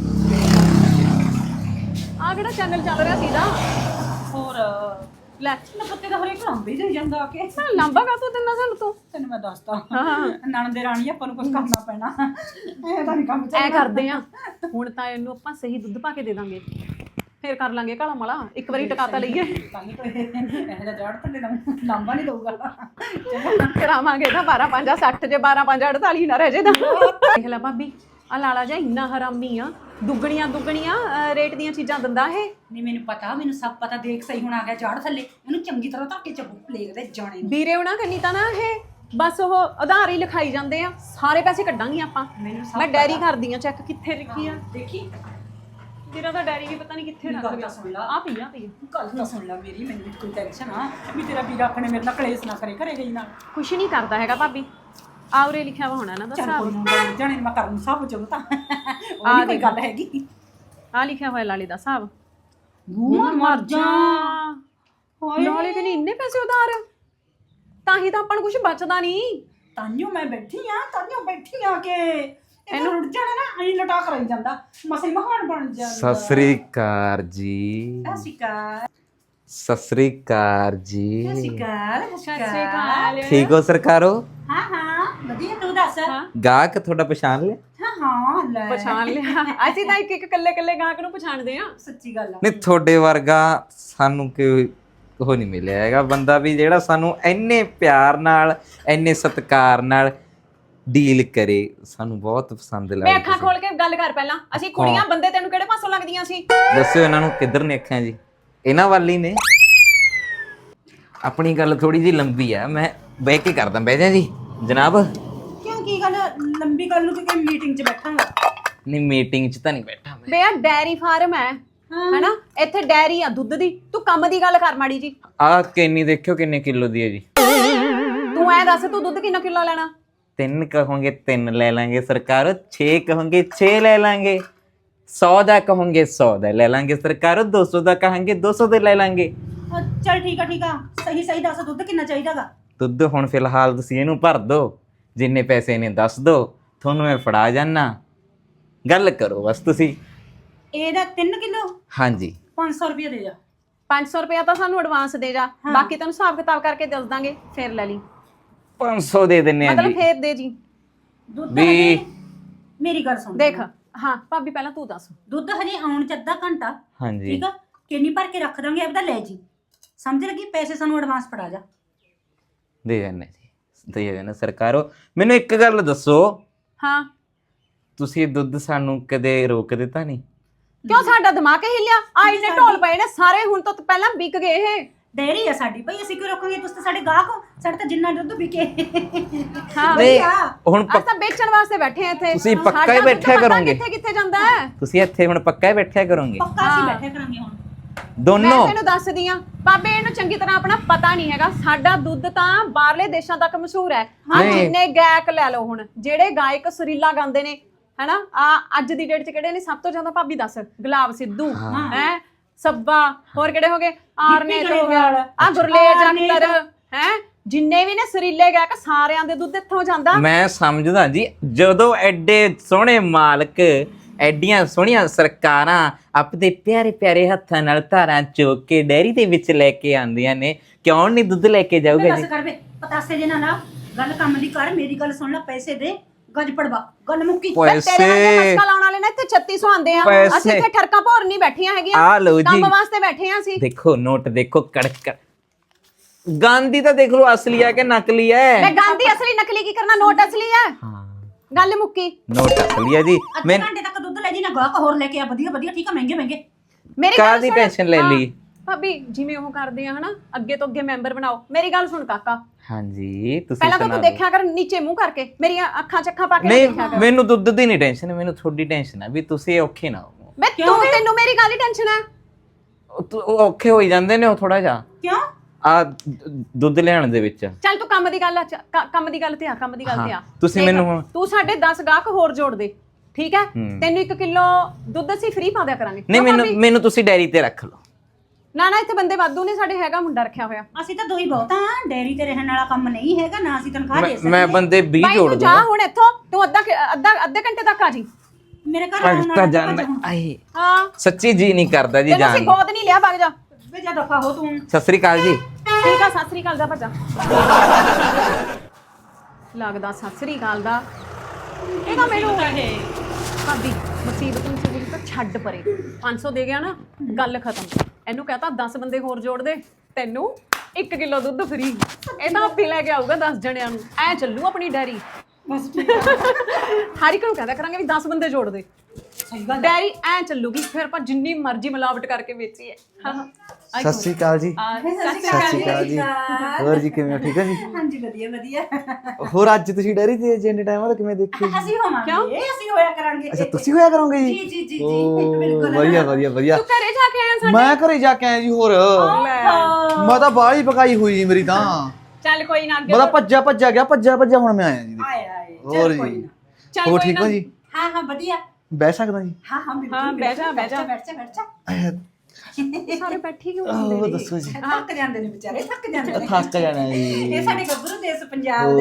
A: ਆ ਕਿਹੜਾ ਚੈਨਲ ਚੱਲ ਰਿਹਾ ਸੀਦਾ?
E: ਹੋਰ
A: ਲੈ
E: ਨਾ ਪੱਤੇ ਦਾ ਹਰੇਕ ਲਾਂਬੇ ਦੇ ਜਾਂਦਾ ਆ ਕੇ।
A: ਲੰਬਾ ਕਾ ਤੂੰ ਦਿੰਦਾ ਸਾਨੂੰ ਤੂੰ?
E: ਤੈਨੂੰ ਮੈਂ ਦੱਸਦਾ ਨਣ ਦੇ ਰਾਣੀ ਆਪਾਂ ਨੂੰ ਕੁਝ ਕਰਨਾ ਪੈਣਾ। ਇਹ ਤਾਂ ਨਹੀਂ ਕੰਮ
A: ਐ ਕਰਦੇ ਆ ਹੁਣ ਤਾਂ ਇਹਨੂੰ ਆਪਾਂ ਸਹੀ ਦੁੱਧ ਪਾ ਕੇ ਦੇ ਦਾਂਗੇ, ਫੇਰ ਕਰ ਲਾਂਗੇ ਕਾਲਾ ਮਾਲਾ। ਇੱਕ ਵਾਰੀ ਟਿਕਾਤਾ ਲਈਏ
E: ਇਹਦਾ ਜੜ ਥੱਲੇ ਲਾਂਬਾ ਨਹੀਂ ਦਊਗਾ।
A: ਕਰਾਵਾਂਗੇ ਨਾ 12-5 60 ਜੇ 12-5 48 ਨਾ ਰਹਿ ਜੇ ਤਾਂ। ਦੇਖ ਲੈ ਭਾਬੀ ਆ ਲਾਲਾ ਜਾ ਇੰਨਾ ਹਰਾਮੀ ਆ, ਦੁੱਗਣੀਆਂ ਰੇਟ ਦੀਆਂ ਚੀਜ਼ਾਂ ਦਿੰਦਾ ਇਹ।
E: ਨਹੀਂ ਮੈਨੂੰ ਪਤਾ, ਮੈਨੂੰ ਸਭ ਪਤਾ। ਦੇਖ ਸਹੀ ਹੁਣ ਆ ਗਿਆ ਜੜ ਥੱਲੇ, ਇਹਨੂੰ ਚੰਗੀ ਤਰ੍ਹਾਂ ਧੱਕੇ ਚੱਬੂ ਪਲੇਗ ਦੇ ਜਾਣੇ ਨੂੰ।
A: ਵੀਰੇ ਉਹਨਾਂ ਕੰਨੀ ਤਾਂ ਨਾ ਇਹ ਬਸ ਉਹ ਆਧਾਰ ਹੀ ਲਿਖਾਈ ਜਾਂਦੇ ਆ, ਸਾਰੇ ਪੈਸੇ ਕੱਢਾਂਗੀ ਆਪਾਂ। ਮੈਂ ਡੈਰੀ ਕਰਦੀ ਆ ਚੈੱਕ ਕਿੱਥੇ ਰੱਖੀ ਆ।
E: ਦੇਖੀ
A: ਤੇਰਾ ਤਾਂ ਡੈਰੀ ਵੀ ਪਤਾ ਨਹੀਂ ਕਿੱਥੇ ਰੱਖ ਗਿਆ।
E: ਸੁਣ ਲਾ
A: ਆ ਪਈ
E: ਗੱਲ ਤਾਂ ਸੁਣ ਲੈ ਮੇਰੀ। ਮੈਨੂੰ ਕੋਈ ਟੈਨਸ਼ਨ ਆ ਵੀ ਤੇਰਾ ਵੀਰ ਆਪਣੇ ਮੇਰੇ ਨਾਲ ਕਲੇਸ਼ ਨਾ ਕਰੇ, ਘਰੇ ਗਈ ਨਾ
A: ਕੁਛ ਨਹੀਂ ਕਰਦਾ ਹੈਗਾ ਭਾਬੀ। ਆਉਰੇ ਲਿਖਿਆ ਵਾ ਹੋਣਾ ਨਾ ਦਾ ਹਿਸਾਬ।
E: ਜਾਣੇ ਮੈਂ ਕਰਨ ਸਭ ਚੋਂ ਤਾਂ ਉਹ ਨਹੀਂ ਕੋਈ ਗੱਲ ਹੈਗੀ।
A: ਆ ਲਿਖਿਆ ਹੋਇਆ ਲਾਲੇ ਦਾ ਹਿਸਾਬ।
E: ਮੂੰਹ ਮਰ ਜਾ।
A: ਲਾਲੇ ਕਿ ਨਹੀਂ ਇੰਨੇ ਪੈਸੇ ਉਧਾਰ? ਤਾਂ ਹੀ ਤਾਂ ਆਪਾਂ ਨੂੰ ਕੁਝ ਬਚਦਾ ਨਹੀਂ।
E: ਤਾਂਿਓ ਮੈਂ ਬੈਠੀ ਆ ਕਿ ਇਹਨੂੰ ਰੁੱਟ ਜਾਣਾ ਨਾ ਐਂ ਲਟਾ ਕਰਾਈ ਜਾਂਦਾ ਮਸੇ ਮਹਾਨ ਬਣ ਜਾਂਦਾ।
F: ਸਤਿ ਸ੍ਰੀ ਅਕਾਲ ਜੀ। ਸਤਿ ਸ੍ਰੀ ਅਕਾਲ ਜੀ।
A: ਸਤਿ ਸ਼੍ਰੀ ਅਕਾਲ।
F: ਠੀਕ ਹੋ ਸਰਕਾਰੋ?
E: ਹਾਂ ਵਧੀਆ ਤੂੰ ਦੱਸ।
F: ਗਾਹਕ ਤੁਹਾਡਾ ਪਛਾਣ ਲਿਆ?
E: ਹਾਂ ਲੈ
A: ਪਛਾਣ ਲਿਆ। ਅਸੀਂ ਤਾਂ ਇੱਕ ਕੱਲੇ ਗਾਹਕ ਨੂੰ ਪਛਾਣਦੇ ਆ।
E: ਸੱਚੀ ਗੱਲ ਆ।
F: ਨਹੀਂ ਤੁਹਾਡੇ ਵਰਗਾ ਸਾਨੂੰ ਕੋਈ ਉਹ ਨਹੀਂ ਮਿਲਿਆ ਹੈਗਾ ਬੰਦਾ ਵੀ ਜਿਹੜਾ ਸਾਨੂੰ ਇੰਨੇ ਪਿਆਰ ਨਾਲ ਇੰਨੇ ਸਤਿਕਾਰ ਨਾਲ ਡੀਲ ਕਰੇ। ਸਾਨੂੰ ਬਹੁਤ ਪਸੰਦ
A: ਮੈਂ
F: ਲੱਗਦਾ।
A: ਅੱਖਾਂ ਖੋਲ ਕੇ ਗੱਲ ਕਰ ਪਹਿਲਾਂ। ਅਸੀਂ ਕੁੜੀਆਂ ਬੰਦੇ ਤੈਨੂੰ ਕਿਹੜੇ ਪਾਸੋਂ ਲੱਗਦੀਆਂ ਸੀ?
F: ਦੱਸਿਓ ਇਹਨਾਂ ਨੂੰ ਕਿੱਧਰ ਨੇ ਅੱਖਾਂ ਜੀ? ਇਹਨਾਂ ਵੱਲ ਹੀ ਨੇ। ਆਪਣੀ ਗੱਲ ਥੋੜੀ ਜਿਹੀ ਲੰਬੀ ਆ, ਮੈਂ ਬਹਿ ਕੇ ਕਰਦਾ। ਬਹਿ ਜਾ ਜੀ ਜਨਾਬ।
E: ਕਿਉਂ ਕੀ ਗੱਲ ਲੰਬੀ ਗੱਲ ਨੂੰ ਕਿ ਮੀਟਿੰਗ 'ਚ ਬੈਠਾਂਗਾ?
F: ਨਹੀਂ ਮੀਟਿੰਗ 'ਚ ਤਾਂ ਨਹੀਂ ਬੈਠਾ ਮੈਂ।
A: ਬੇ ਆ ਡੈਰੀ ਫਾਰਮ ਹੈ ਹੈਨਾ, ਇੱਥੇ ਡੈਰੀ ਆ ਦੁੱਧ ਦੀ। ਤੂੰ ਕੰਮ ਦੀ ਗੱਲ ਕਰ ਮਾੜੀ ਜੀ।
F: ਆਹ ਕੈਨੀ ਦੇਖਿਓ ਕਿੰਨੇ ਕਿਲੋ ਦੀ ਹੈ ਜੀ।
A: ਤੂੰ ਐ ਦੱਸ ਤੂੰ ਦੁੱਧ ਕਿੰਨਾ ਕਿਲੋ ਲੈਣਾ?
F: 3 ਕਹੋਗੇ 3 ਲੈ ਲਾਂਗੇ ਸਰਕਾਰ। 6 ਕਹੋਗੇ 6 ਲੈ ਲਾਂਗੇ। 100 ਦਾ ਕਹੋਗੇ 100 ਦਾ ਲੈ ਲਾਂਗੇ ਸਰਕਾਰ। 200 ਦਾ ਕਹਾਂਗੇ 200 ਦੇ ਲੈ ਲਾਂਗੇ।
E: ਚੱਲ ਠੀਕ ਆ ਸਹੀ ਦੱਸ ਦੁੱਧ ਕਿੰਨਾ ਚਾਹੀਦਾਗਾ?
F: ਦੁੱਧ ਹੁਣ ਫਿਲਹਾਲ ਤੁਸੀਂ ਇਹਨੂੰ ਭਰ ਦਿਓ, ਜਿੰਨੇ ਪੈਸੇ ਨੇ ਦੱਸ ਦਿਓ, ਤੁਹਾਨੂੰ ਮੈਂ ਫੜਾ ਜਾਨਾ। ਗੱਲ ਕਰੋ ਬਸ ਤੁਸੀਂ।
E: ਇਹਦਾ 3 ਕਿਲੋ
F: ਹਾਂਜੀ
E: 500 ਰੁਪਏ ਦੇ ਜਾ।
A: 500 ਰੁਪਇਆ ਤਾਂ ਸਾਨੂੰ ਐਡਵਾਂਸ ਦੇ ਜਾ, ਬਾਕੀ ਤੈਨੂੰ ਹਿਸਾਬ ਕਿਤਾਬ ਕਰਕੇ ਦੱਸ ਦਾਂਗੇ, ਫਿਰ ਲੈ ਲਈ।
F: 500 ਦੇ ਦਿੰਨੇ ਆ
A: ਮਤਲਬ
F: ਜੀ।
A: ਫੇਰ ਦੇ ਜੀ।
E: ਦੁੱਧ
F: ਵੀ
E: ਹਜੇ ਮੇਰੀ ਗੱਲ ਸੁਣ
A: ਦੇਖ ਹਾਂ ਭਾਬੀ ਪਹਿਲਾਂ ਤੂੰ ਦੱਸ।
E: ਦੁੱਧ ਹਜੇ ਆਉਣ 'ਚ ਅੱਧਾ ਘੰਟਾ।
F: ਹਾਂਜੀ
E: ਠੀਕ ਆ ਕਿੰਨੀ ਭਰ ਕੇ ਰੱਖ ਦਾਂਗੇ ਆਪਦਾ ਲੈ ਜੀ। ਸਮਝ ਲੱਗੀ? ਪੈਸੇ ਸਾਨੂੰ ਐਡਵਾਂਸ ਫੜਾ ਜਾ।
F: ਦੇ ਜਾਨੇ ਜੀ, ਦੇ ਜਾਨੇ ਸਰਕਾਰੋ। ਮੈਨੂੰ ਇੱਕ ਗੱਲ ਦੱਸੋ,
A: ਹਾਂ
F: ਤੁਸੀਂ ਦੁੱਧ ਸਾਨੂੰ ਕਦੇ ਰੋਕ ਦਿੱਤਾ ਨਹੀਂ?
A: ਕਿਉਂ ਸਾਡਾ ਦਿਮਾਗ ਹੀ ਹਿੱਲਿਆ? ਆਈ ਨੇ ਢੋਲ ਪਏ ਨੇ ਸਾਰੇ, ਹੁਣ ਤੋਂ ਪਹਿਲਾਂ ਵਿਕ ਗਏ ਇਹ।
E: ਡੇਅਰੀ ਆ ਸਾਡੀ ਭਾਈ, ਅਸੀਂ ਕਿਉਂ ਰੋਕਾਂਗੇ? ਤੁਸੀਂ ਤਾਂ ਸਾਡੇ ਗਾਹਕ ਹੋ। ਸਾਡੇ ਤਾਂ ਜਿੰਨਾ ਦੁੱਧ ਵਿਕੇ।
A: ਹਾਂ
F: ਨਹੀਂ ਹੁਣ
A: ਅਸੀਂ ਤਾਂ ਵੇਚਣ ਵਾਸਤੇ ਬੈਠੇ ਆ ਇੱਥੇ।
F: ਤੁਸੀਂ ਪੱਕਾ ਹੀ
A: ਸਾਡਾ ਦੁੱਧ
F: ਬੈਠਿਆ
A: ਪਤਾ
F: ਕਰੋਗੇ।
A: ਕਿੱਥੇ ਜਾਂਦਾ ਹੈ?
F: ਤੁਸੀਂ ਇੱਥੇ ਹੁਣ ਪੱਕਾ ਹੀ ਬੈਠਿਆ ਕਰੋਗੇ
E: ਪੱਕਾ ਅਸੀਂ ਬੈਠੇ ਕਰਾਂਗੇ ਹੁਣ।
A: ਮੈਂ
F: ਦੋਨੋਂ?
A: ਤੈਨੂੰ ਦੱਸਦੀ ਆ ਬਾਬੇ, ਇਹਨੂੰ ਚੰਗੀ ਤਰ੍ਹਾਂ ਆਪਣਾ ਪਤਾ ਨਹੀਂ ਹੈਗਾ। ਸਾਡਾ ਦੁੱਧ ਤਾਂ ਬਾਹਰਲੇ ਦੇਸ਼ਾਂ ਤੱਕ ਮਸ਼ਹੂਰ ਹੈ। ਆ
F: ਨਹੀਂ।
A: ਜਿੰਨੇ ਗਾਇਕ ਲੈ ਲਓ, ਹੁਣ ਜਿਹੜੇ ਗਾਇਕ ਸੁਰੀਲਾ ਗਾਉਂਦੇ ਨੇ ਹੈਨਾ, ਆ ਅੱਜ ਦੀ ਡੇਟ 'ਚ ਕਿਹੜੇ ਨੇ ਸਭ ਤੋਂ ਜ਼ਿਆਦਾ? ਭਾਬੀ ਦੱਸ। ਗੁਲਾਬ ਸਿੱਧੂ ਹੈ, ਸੱਬਾ, ਹੋਰ ਕਿਹੜੇ ਹੋ ਗਏ? ਆਰਨੇਤ ਹੋ ਗਿਆ, ਆ ਗੁਰਲੇਜ ਅਖਤਰ ਹੈ, ਜਿੰਨੇ ਵੀ ਨੇ ਸੁਰੀਲੇ ਗਾਇਕ, ਸਾਰਿਆਂ ਦੇ ਦੁੱਧ ਇੱਥੋਂ ਜਾਂਦਾ।
F: ਮੈਂ ਸਮਝਦਾ ਜੀ, ਜਦੋਂ ਐਡੇ ਸੋਹਣੇ ਮਾਲਕ, ਐਡੀਆਂ ਸੋਹਣੀਆਂ ਸਰਕਾਰਾਂ ਆਪਣੇ ਪਿਆਰੇ ਪਿਆਰੇ ਹੱਥਾਂ ਨਾਲ ਧਾਰਾਂ ਚੋਕ ਕੇ ਡੈਰੀ ਦੇ ਵਿੱਚ ਲੈ ਕੇ ਆਉਂਦੀਆਂ ਨੇ, ਕਿਉਂ ਨਹੀਂ ਦੁੱਧ ਲੈ ਕੇ ਜਾਊਗਾ ਜੀ?
E: ਬਸ ਕਰ ਵੇ ਪਤਾਸੇ ਜੇ ਨਾ ਗੱਲ ਕੰਮ ਦੀ ਕਰ। ਮੇਰੀ ਗੱਲ ਸੁਣ ਲੈ, ਪੈਸੇ ਦੇ, ਗੱਜ ਪੜਵਾ, ਗੱਲ ਮੁੱਕੀ।
A: ਤੇਰੇ ਵਰਗੇ ਮਸਕਾ ਲਾਉਣ ਵਾਲੇ ਨੇ ਇੱਥੇ 3600 ਆਉਂਦੇ ਆ। ਅਸੀਂ ਇੱਥੇ ਠਰਕਾਂ ਭੋਰ ਨਹੀਂ ਬੈਠੀਆਂ ਹੈਗੀਆਂ,
F: ਆ ਲਓ ਜੀ,
A: ਕੰਮ ਵਾਸਤੇ ਬੈਠੇ ਆ ਅਸੀਂ।
F: ਦੇਖੋ ਨੋਟ ਦੇਖੋ, ਕੜਕ ਗਾਂਧੀ ਤਾਂ ਦੇਖ ਲਓ ਅਸਲੀ ਹੈ ਕਿ ਨਕਲੀ
A: ਮੈਂ
F: ਹੈ?
A: ਗਾਂਧੀ ਅਸਲੀ ਨਕਲੀ ਕੀ ਕਰਨਾ, ਨੋਟ ਅਸਲੀ ਹੈ।
F: ਹਾਂ
A: ਗੱਲ ਮੁੱਕੀ।
F: ਨੋਟ ਅਸਲੀ ਹੈ ਜੀ।
E: ਅੱਧੇ ਘੰਟੇ ਤੱਕ ਦੁੱਧ ਲੈ ਜੀ ਨਾ, ਗਾਹਕ ਹੋਰ ਲੈ ਕੇ ਆ ਵਧੀਆ ਵਧੀਆ। ਠੀਕ ਆ, ਮਹਿੰਗੇ
A: ਮੇਰੀ ਗੱਲ
F: ਕਾਹਦੀ
A: ਸੁਣ।
F: ਟੈਨਸ਼ਨ ਲੈ ਲਈ?
A: ਭਾਬੀ ਜਿਵੇਂ ਉਹ ਕਰਦੇ ਆ ਹਨਾ, ਅੱਗੇ ਤੋਂ ਅੱਗੇ ਮੈਂਬਰ ਬਣਾਓ। ਮੇਰੀ ਗੱਲ ਸੁਣ ਕਾਕਾ,
F: ਹਾਂਜੀ ਤੁਸੀਂ
A: ਪਹਿਲਾਂ ਤਾਂ
F: ਸੁਣਾ
A: ਤੂੰ
F: ਦਿਓ।
A: ਦੇਖਿਆ ਕਰ ਨੀਚੇ ਮੂੰਹ ਕਰਕੇ, ਮੇਰੀਆਂ ਅੱਖਾਂ ਚੱਖਾਂ ਪਾ ਕੇ
F: ਨਹੀਂ
A: ਦੇਖਿਆ ਕਰ।
F: ਮੈਨੂੰ ਦੁੱਧ ਦੀ ਨਹੀਂ ਟੈਨਸ਼ਨ, ਮੈਨੂੰ ਤੁਹਾਡੀ ਟੈਨਸ਼ਨ ਹੈ ਵੀ ਤੁਸੀਂ ਔਖੇ ਨਾ ਹੋ।
A: ਮੈਂ ਤੈਨੂੰ ਮੇਰੀ ਗੱਲ ਹੀ ਟੈਨਸ਼ਨ ਹੈ।
F: ਉਹ ਔਖੇ ਹੋਈ ਜਾਂਦੇ ਨੇ ਉਹ ਥੋੜਾ ਜਿਹਾ
E: ਕਿਉਂ?
F: ਆ ਦੁੱਧ ਲੈਣ ਦੇ ਵਿੱਚ।
A: ਚੱਲ ਤੂੰ ਕੰਮ ਦੀ ਗੱਲ ਕੰਮ ਦੀ ਗੱਲ ਤੇ ਆ, ਕੰਮ ਦੀ ਗੱਲ ਤੇ ਆ।
F: ਤੁਸੀਂ
A: ਦੇਖ,
F: ਮੈਨੂੰ ਹੁਣ-
A: ਤੂੰ ਸਾਡੇ 10 ਗਾਹਕ ਹੋਰ ਜੋੜ ਦੇ, ਠੀਕ ਹੈ? ਤੈਨੂੰ 1 ਕਿਲੋ ਦੁੱਧ ਅਸੀਂ ਫ੍ਰੀ ਪਾ ਦਿਆ ਕਰਾਂਗੇ।
F: ਨਹੀਂ
A: ਕਿਉਂ ਭਾਬੀ?
F: ਮੈਨੂੰ ਤੁਸੀਂ ਡੈਰੀ ਤੇ ਰੱਖ ਲਓ।
A: ਨਾ ਇੱਥੇ ਬੰਦੇ ਵਾਧੂ ਨੇ, ਸਾਡੇ ਹੈਗਾ ਮੁੰਡਾ ਰੱਖਿਆ ਹੋਇਆ।
E: ਅਸੀਂ ਤਾਂ ਦੋ ਹੀ ਬਹੁਤ ਆ। ਡੇਅਰੀ ਤੇ ਰਹਿਣ ਵਾਲਾ ਕੰਮ ਨਹੀਂ ਹੈਗਾ ਨਾ, ਅਸੀਂ ਤਨਖਾਹ ਦੇ ਸਕਦੇ।
F: ਮੈਂ ਬੰਦੇ 20
A: ਬਾਈ
F: ਜੋੜ
A: ਤੂੰ
F: ਦੂੰਗਾ।
A: ਜਾ ਹੁਣ ਇੱਥੋਂ, ਤੂੰ ਅੱਧੇ ਘੰਟੇ ਤੱਕ ਆ ਜੀ।
E: ਮੇਰੇ ਘਰ
F: ਭਗਤਾ ਜਾਨ ਆਏ
A: ਹਾਂ
F: ਸੱਚੀ ਜੀ ਨਹੀਂ ਕਰਦਾ ਜੀ
A: ਤੈਨੂੰ ਅਸੀਂ
F: ਜਾਨ।
A: ਗੋਦ ਨਹੀਂ ਲਿਆ, ਵਗ ਜਾ।
E: ਵੇ ਜਾ ਦਫਾ ਹੋ ਤੂੰ।
F: ਸਤਿ ਸ੍ਰੀ ਅਕਾਲ ਜੀ।
A: ਠੀਕ ਆ, ਸਤਿ ਸ੍ਰੀ ਅਕਾਲ ਦਾ ਭੱਜਾ। ਲੱਗਦਾ ਸਤਿ ਸ੍ਰੀ ਅਕਾਲ ਦਾ। ਇਹ ਤਾਂ ਮੈਨੂੰ ਭਾਬੀ ਮੁਸੀਬਤ ਨੂੰ ਤਾਂ ਛੱਡ ਪਰੇ। 500 ਦੇ ਗਿਆ ਨਾ, ਗੱਲ ਖਤਮ। ਇਹਨੂੰ ਕਹਤਾ 10 ਬੰਦੇ ਹੋਰ ਜੋੜ ਦੇ, ਤੈਨੂੰ 1 ਕਿਲੋ ਦੁੱਧ ਫਰੀ। ਇਹ ਤਾਂ ਆਪੇ ਲੈ ਕੇ ਆਊਗਾ 10 ਜਣਿਆਂ ਨੂੰ। ਐ ਚੱਲੂ ਆਪਣੀ ਡੈਰੀ।
E: ਬਸ
A: ਹਰ ਇੱਕ ਨੂੰ ਕਹਿੰਦਾ ਕਰਾਂਗੇ ਵੀ 10 ਬੰਦੇ ਜੋੜ ਦੇ।
E: ਸਹੀ ਗੱਲ।
A: ਡੈਰੀ ਐ ਚੱਲੂਗੀ, ਫਿਰ ਆਪਾਂ ਜਿੰਨੀ ਮਰਜ਼ੀ ਮਿਲਾਵਟ ਕਰਕੇ ਵੇਚੀਏ।
G: ਸਤਿ ਸ੍ਰੀ ਅਕਾਲ ਜੀ।
A: ਸਤਿ
G: ਸਤਿ ਸ੍ਰੀ ਅਕਾਲ ਜੀ। ਹੋਰ ਜੀ ਕਿਵੇਂ ਹੋ? ਠੀਕ ਹੈ ਜੀ।
E: ਹਾਂਜੀ ਵਧੀਆ ਵਧੀਆ।
G: ਹੋਰ ਅੱਜ ਤੁਸੀਂ ਡੈਰੀ ਤੇ ਜਿੰਨੇ ਟਾਈਮ ਬਾਅਦ ਕਿਵੇਂ ਦੇਖੀ?
E: ਅਸੀਂ ਹੋਵਾਂਗੇ, ਅਸੀਂ ਹੋਇਆ ਕਰਾਂਗੇ।
G: ਅੱਛਾ ਤੁਸੀਂ ਹੋਇਆ ਕਰੋਗੇ ਜੀ?
E: ਜੀ ਜੀ ਜੀ
G: ਓ,
E: ਬਿਲਕੁਲ।
G: ਵਧੀਆ ਵਧੀਆ ਵਧੀਆ।
A: ਤੂੰ ਘਰੇ ਜਾ ਕੇ ਆਇਆ ਸਾਡੇ?
G: ਮੈਂ ਘਰੇ ਜਾ ਕੇ ਆਇਆ ਜੀ। ਹੋਰ ਮੈਂ ਤਾਂ ਬਾਹਲੀ ਪਕਾਈ ਹੋਈ ਜੀ ਮੇਰੀ ਤਾਂ।
A: ਚੱਲ ਕੋਈ ਨਾ, ਅੱਗੇ
G: ਮੈਂ ਤਾਂ ਭੱਜਿਆ ਗਿਆ, ਭੱਜਿਆ ਹੁਣ ਮੈਂ ਆਇਆ ਜੀ।
E: ਆਏ
G: ਹੋਰ ਜੀ
A: ਚੱਲ
G: ਹੋਰ
A: ਕੋਈ
G: ਠੀਕ
A: ਨਾ।
G: ਹੋ ਜੀ?
E: ਹਾਂ ਹਾਂ ਵਧੀਆ।
G: ਬਹਿ ਸਕਦਾ ਜੀ?
E: ਹਾਂ ਹਾਂ ਬਿਲਕੁਲ।
A: ਹਾਂ ਬਹਿ ਜਾ ਬਹਿ ਜਾ।
E: ਬੈਠ ਜਾ ਬੈਠ ਜਾ।
A: ਸਾਰੇ ਬੈਠੀ ਕਿਉਂ ਹੁੰਦੇ
G: ਉਹ
A: ਨੇ?
G: ਦੱਸੋ ਜੀ।
E: ਥੱਕ ਜਾਂਦੇ ਨੇ ਵਿਚਾਰੇ, ਥੱਕ ਜਾਂਦੇ ਨੇ।
G: ਥੱਕ ਜਾਣਾ ਜੀ।
E: ਇਹ ਸਾਡੇ ਗੱਭਰੂ ਦੇਸ਼ ਪੰਜਾਬ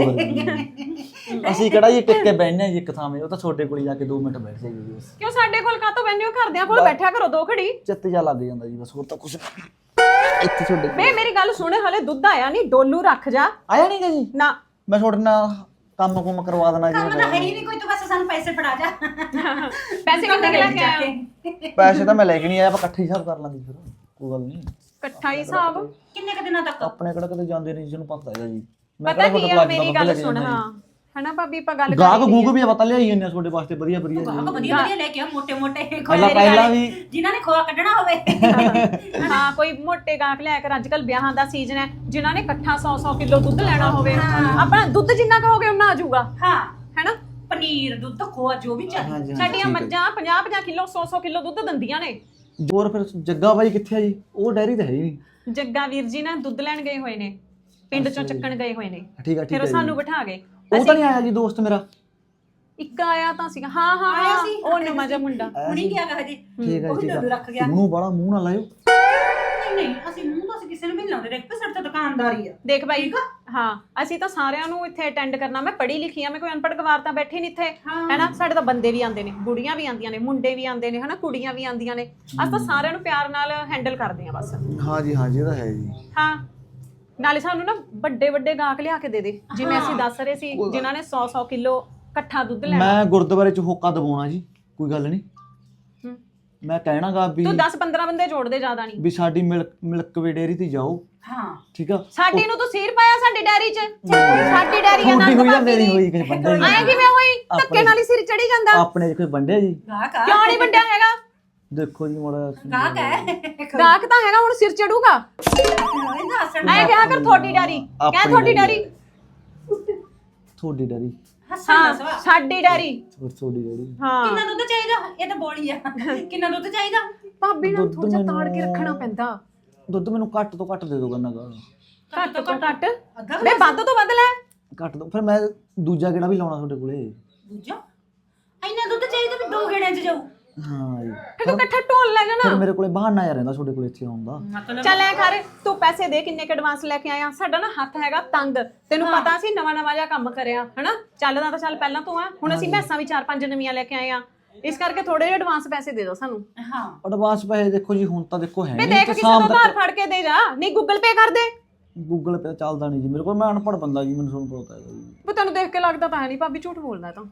E: ਦੇ।
G: ਅਸੀਂ ਕਿਹੜਾ ਜੀ ਟਿੱਕੇ ਬੈਠਨੇ ਜੀ ਇੱਕ ਥਾਂ 'ਤੇ, ਉਹ ਤਾਂ ਛੋਟੇ ਕੋਲ ਜਾ ਕੇ 2 ਮਿੰਟ ਬੈਠ ਜਾਈਏ ਜੀ ਬਸ।
A: ਕਿਉਂ ਸਾਡੇ ਕੋਲ ਕਾਤੋਂ ਬੈਠੇ ਹੋ? ਘਰਦਿਆਂ ਕੋਲ ਬੈਠਿਆ ਕਰੋ ਦੋ ਘੜੀ।
G: ਚਿੱਤ ਜਾ ਲੱਗ ਜਾਂਦਾ ਜੀ ਬਸ, ਹੋਰ ਤਾਂ ਕੁਝ ਇੱਥੇ ਛੋਡੇ
A: ਬੇ ਮੇਰੀ ਗੱਲ ਸੁਣ, ਹਲੇ ਦੁੱਧ ਆਇਆ ਨਹੀਂ, ਡੋਲੂ ਰੱਖ ਜਾ।
G: ਆਇਆ ਨਹੀਂ ਜੀ।
A: ਨਾ
G: ਮੈਂ ਤੁਹਾਡੇ ਨਾਲ ਕੰਮ ਕੁਮ ਕਰਵਾ ਦੇਣਾ
E: ਕੰਮ ਤਾਂ ਹੈ
G: ਜੀ।
E: ਹੀ ਨਹੀਂ ਕੋਈ, ਤੂੰ ਬਸ ਸਾਨੂੰ ਪੈਸੇ ਫੜਾ ਜਾ।
A: ਪੈਸੇ ਕਿੱਥੇ ਲੈ ਕੇ ਆਇਆ?
G: ਪੈਸੇ ਤਾਂ ਮੈਂ ਲੈ ਕੇ ਨਹੀਂ ਆਇਆ, ਆਪਾਂ ਇਕੱਠੇ ਹਿਸਾਬ ਕਰ ਲਾਂਗੇ ਫਿਰ, ਕੋਈ ਗੱਲ ਨਹੀਂ।
A: ਇਕੱਠਾ ਹੀ ਹਿਸਾਬ।
E: ਕਿੰਨੇ ਕ ਦਿਨਾਂ ਤੱਕ?
G: ਆਪਣੇ ਕਿਹੜਾ ਕਦੇ ਜਾਂਦੇ ਨਹੀਂ, ਜਿਹਨੂੰ ਪਤਾ ਹੈਗਾ ਜੀ। ਮੈਂ
A: ਪਤਾ
G: ਕਿਹੜਾ
A: ਕੀ
G: ਤੁਹਾਡੇ
A: ਆ,
G: ਕੋਲ
A: ਮੇਰੀ ਗੱਲ ਸੁਣ। ਹਾਂ ਹਨਾ ਭਾਬੀ, ਆਪਾਂ ਗੱਲ
G: ਗਾਹਕ
A: ਕਰੀ
G: ਗੂਕ ਵੀ ਆ, ਪਤਾ ਲਿਆਈ ਜਾਂਦੇ ਆ ਤੁਹਾਡੇ ਵਾਸਤੇ ਵਧੀਆ ਵਧੀਆ ਜੀ।
E: ਵਧੀਆ ਵਧੀਆ ਲੈ ਕੇ ਆ, ਮੋਟੇ ਮੋਟੇ
G: ਪਹਿਲਾਂ ਵੀ
E: ਜਿਨ੍ਹਾਂ ਨੇ ਖੋਆ ਕੱਢਣਾ ਹੋਵੇ।
A: ਹਾਂ ਕੋਈ ਮੋਟੇ ਗਾਹਕ ਲਿਆ ਕਰ। ਅੱਜ ਕੱਲ ਵਿਆਹਾਂ ਦਾ ਸੀਜ਼ਨ ਹੈ, ਜਿਨ੍ਹਾਂ ਨੇ ਇਕੱਠਾ 100 ਕਿਲੋ ਦੁੱਧ ਲੈਣਾ ਹੋਵੇ, ਆਪਣਾ ਦੁੱਧ ਜਿੰਨਾ ਕਹੋਗੇ ਉਨਾ ਆ ਜਾਊਗਾ।
E: ਹਾਂ,
A: ਹੈਨਾ?
E: ਪਨੀਰ, ਦੁੱਧ, ਖੋਆ ਜੋ ਵੀ ਚਾਹੀਦਾ।
G: ਹਾਂਜੀ,
A: ਸਾਡੀਆਂ ਮੱਝਾਂ 50 ਕਿਲੋ 100 ਕਿਲੋ ਦੁੱਧ ਦਿੰਦੀਆਂ ਨੇ।
G: ਜੋਰ ਫਿਰ ਜੱਗਾ ਬਾਈ ਕਿੱਥੇ ਆ ਜੀ? ਉਹ ਡੈਰੀ ਤਾਂ ਹੈ ਹੀ ਨਹੀਂ।
A: ਜੱਗਾ ਵੀਰ ਜੀ ਨਾ ਦੁੱਧ ਲੈਣ ਗਏ ਹੋਏ ਨੇ, ਪਿੰਡ ਚੋਂ ਚੱਕਣ ਗਏ ਹੋਏ ਨੇ।
G: ਠੀਕ ਆ ਠੀਕ
A: ਫਿਰ
G: ਆ
A: ਉਹ
G: ਜੀ।
A: ਸਾਨੂੰ ਬਿਠਾ ਗਏ।
G: ਉਹ ਤਾਂ ਨਹੀਂ ਆਇਆ ਜੀ ਦੋਸਤ ਮੇਰਾ?
A: ਇੱਕ ਆਇਆ ਤਾਂ ਸੀਗਾ। ਹਾਂ ਹਾਂ
E: ਆਇਆ
A: ਹਾਂ,
E: ਸੀ।
A: ਉਹ ਨਵਾਂ ਜਿਹਾ ਮੁੰਡਾ।
E: ਹੁਣੀ ਗਿਆ ਗਾ ਹਜੇ।
G: ਠੀਕ ਆ
E: ਉਹ ਵੀ
G: ਠੀਕ
E: ਡੋਲੂ ਰੱਖ ਗਿਆ।
G: ਆ। ਮੂੰਹ ਬੜਾ ਮੂੰਹ ਨਾ ਲਾਇਓ।
E: ਨਹੀਂ ਨਹੀਂ, ਅਸੀਂ ਮੂੰਹ ਤਾਂ ਅਸੀਂ ਕਿਸੇ ਨੂੰ ਵੀ ਨੀ ਲਾਉਂਦੇ, ਦੇਖ ਸਾਡੇ ਤਾਂ ਦੁਕਾਨਦਾਰੀ ਆ।
A: ਦੇਖ ਬਾਈ, ਹਾਂ ਅਸੀਂ ਤਾਂ ਸਾਰਿਆਂ ਨੂੰ ਇੱਥੇ ਅਟੈਂਡ ਕਰਨਾ। ਮੈਂ ਪੜ੍ਹੀ ਲਿਖੀ ਆ, ਮੈਂ ਕੋਈ ਅਨਪੜ੍ਹ ਗਵਾਰ ਤਾਂ ਬੈਠੀ ਨਹੀਂ ਇੱਥੇ, ਹੈਨਾ? ਸਾਡੇ ਤਾਂ ਬੰਦੇ ਵੀ ਆਉਂਦੇ ਨੇ, ਬੁੜੀਆਂ ਵੀ ਆਉਂਦੀਆਂ ਨੇ, ਮੁੰਡੇ ਵੀ ਆਉਂਦੇ ਨੇ, ਹਨਾ? ਕੁੜੀਆਂ ਵੀ ਆਉਂਦੀਆਂ ਨੇ। ਅਸੀਂ ਤਾਂ ਸਾਰਿਆਂ ਨੂੰ ਪਿਆਰ ਨਾਲ ਹੈਂਡਲ ਕਰਦੇ ਆ ਬਸ।
G: ਹਾਂ ਜੀ ਹਾਂ ਜੀ, ਇਹ ਤਾਂ ਹੈ ਜੀ।
A: ਹਾਂ, ਨਾਲੇ ਸਾਨੂੰ ਨਾ ਵੱਡੇ ਵੱਡੇ ਗਾਹਕ ਲਿਆ ਕੇ ਦੇ ਦੇ, ਜਿਵੇਂ ਅਸੀਂ ਦੱਸ ਰਹੇ ਸੀ, ਜਿਨ੍ਹਾਂ ਨੇ 100 ਕਿਲੋ ਇਕੱਠਾ ਦੁੱਧ ਲੈਣਾ।
G: ਮੈਂ ਗੁਰਦੁਆਰੇ 'ਚ ਹੋਕਾ ਦਬਾਉਣਾ ਜੀ, ਕੋਈ ਗੱਲ ਨਹੀਂ। ਮੈਂ ਕਹਿਣਾਗਾ ਵੀ
A: ਤੂੰ 10-15 ਬੰਦੇ ਜੋੜ ਦੇ, ਜ਼ਿਆਦਾ ਨਹੀਂ।
G: ਵੀ ਸਾਡੀ ਮਿਲਕ ਵੇ ਡੇਅਰੀ ਤੇ ਜਾਓ।
E: ਹਾਂ
G: ਠੀਕ ਆ।
A: ਸਾਡੀ ਨੂੰ ਤੂੰ ਸੀਰ ਪਾਇਆ ਸਾਡੀ ਡੈਰੀ 'ਚ? ਸਾਡੀ ਡੈਰੀ ਆ,
G: ਤੁਹਾਡੀ
A: ਨੰਦ
G: ਹੋਈ ਜਾਂ
A: ਭਾਬੀ
G: ਮੇਰੀ
A: ਦੀ।
G: ਹੋਈ ਕਿਸੇ ਬੰਦੇ
A: ਆਏ ਕਿਵੇਂ ਹੋਈ? ਧੱਕੇ ਨਾਲ ਹੀ ਸਿਰ ਚੜੀ ਜਾਂਦਾ।
G: ਆਪਣੇ 'ਚ ਕੋਈ ਵੰਡਿਆ ਜੀ?
E: ਗਾਹਕ ਆ।
A: ਕਿਉਂ ਨਹੀਂ ਵੱਡਿਆ ਹੈਗਾ?
G: ਦੇਖੋ ਜੀ ਮੋੜਾ
E: ਗਾਹਕ ਹੈ।
A: ਗਾਹਕ ਤਾਂ ਹੈਗਾ, ਹੁਣ ਸਿਰ ਚੜੂਗਾ।
E: ਇਹਦਾ ਹੱਸਣ
A: ਐ ਕਿਹਾ ਕਰ ਤੁਹਾਡੀ ਡੈਰੀ, ਕਹਿ ਤੁਹਾਡੀ ਡੈਰੀ।
G: ਤੁਹਾਡੀ ਡੈਰੀ।
E: ਹੱਸਣ ਦਾ ਸਵਾ।
A: ਸਾਡੀ ਡੈਰੀ।
G: ਤੁਹਾਡੀ ਡੈਰੀ।
A: ਹਾਂ
E: ਕਿੰਨਾ ਦੁੱਧ ਚਾਹੀਦਾ? ਇਹ ਤਾਂ ਬੋਲੀ ਆ। ਕਿੰਨਾ ਦੁੱਧ ਚਾਹੀਦਾ?
A: ਭਾਬੀ ਨਾਲ ਥੋੜਾ ਜਿਹਾ ਤਾੜ ਕੇ ਰੱਖਣਾ ਪੈਂਦਾ।
G: ਦੁੱਧ ਮੈਨੂੰ ਘੱਟ ਤੋਂ ਘੱਟ ਦੇ ਦਿਓ ਕਰਨਾ ਗਾ।
A: ਘੱਟ ਤੋਂ ਘੱਟ
E: ਅੱਧਾ
A: ਬੇ, ਵੱਧ ਤੋਂ ਵੱਧ ਲੈ।
G: ਘੱਟ ਦੋ ਫਿਰ ਮੈਂ ਦੂਜਾ ਕਿਹੜਾ ਵੀ ਲਾਉਣਾ ਤੁਹਾਡੇ ਕੋਲੇ।
E: ਦੂਜਾ ਇੰਨਾ ਦੁੱਧ ਚਾਹੀਦਾ ਵੀ 2 ਗੇੜਿਆਂ 'ਚ ਜਾਊ।
G: ਹਾਂ ਜੀ।
A: ਫਿਰ ਤੂੰ ਇਕੱਠਾ ਢੋਲ ਲੈ
G: ਫਿਰ
A: ਜਾਣਾ।
G: ਮੇਰੇ ਕੋਲੇ ਬਹਾਨਾ ਰਹਿੰਦਾ ਤੁਹਾਡੇ ਕੋਲੇ ਇੱਥੇ ਆਉਣ ਦਾ।
A: ਚੱਲ ਐ ਕਰ, ਤੂੰ ਪੈਸੇ ਦੇ, ਕਿੰਨੇ ਕ ਐਡਵਾਂਸ ਲੈ ਕੇ ਆਇਆ? ਸਾਡਾ ਨਾ ਹੱਥ ਹੈਗਾ ਤੰਗ, ਤੈਨੂੰ ਪਤਾ ਸੀ ਨਵਾਂ ਜਿਹਾ ਕੰਮ ਕਰਿਆ, ਹਨਾ? ਚੱਲਦਾ ਤਾਂ ਚੱਲ ਪਹਿਲਾਂ ਤੂੰ ਆ, ਹੁਣ ਅਸੀਂ ਮੈਸਾਂ ਵੀ 4-5 ਨਵੀਆਂ ਲੈ ਕੇ ਆਏ ਆ, ਇਸ ਕਰਕੇ ਥੋੜੇ ਜਿਹੇ ਐਡਵਾਂਸ ਪੈਸੇ ਦੇ ਦਿਓ ਸਾਨੂੰ।
E: ਹਾਂ
G: ਐਡਵਾਂਸ ਪੈਸੇ ਦੇਖੋ ਜੀ ਹੁਣ ਤਾਂ ਦੇਖੋ ਹੈ
A: ਬੇ
G: ਨਹੀਂ
A: ਦੇਖ,
G: ਤੇ
A: ਕਿਸੇ ਤੋਂ
G: ਸ਼ਾਮ
A: ਉਧਾਰ
G: ਤੱਕ
A: ਫੜ ਕੇ ਦੇ ਜਾ, ਨਹੀਂ ਗੂਗਲ ਪੇ ਕਰ ਦੇ।
G: ਗੂਗਲ ਪੇ ਚੱਲਦਾ ਨਹੀਂ ਜੀ ਮੇਰੇ ਕੋਲ, ਮੈਂ ਅਨਪੜ੍ਹ ਬੰਦਾ ਜੀ, ਮੈਨੂੰ ਤੁਹਾਨੂੰ ਪਤਾ ਹੈਗਾ ਜੀ।
A: ਬੇ ਤੈਨੂੰ ਦੇਖ ਕੇ ਲੱਗਦਾ ਤਾਂ ਹੈ ਨਹੀਂ, ਭਾਬੀ ਝੂਠ ਬੋਲਦਾ ਤਾਂ।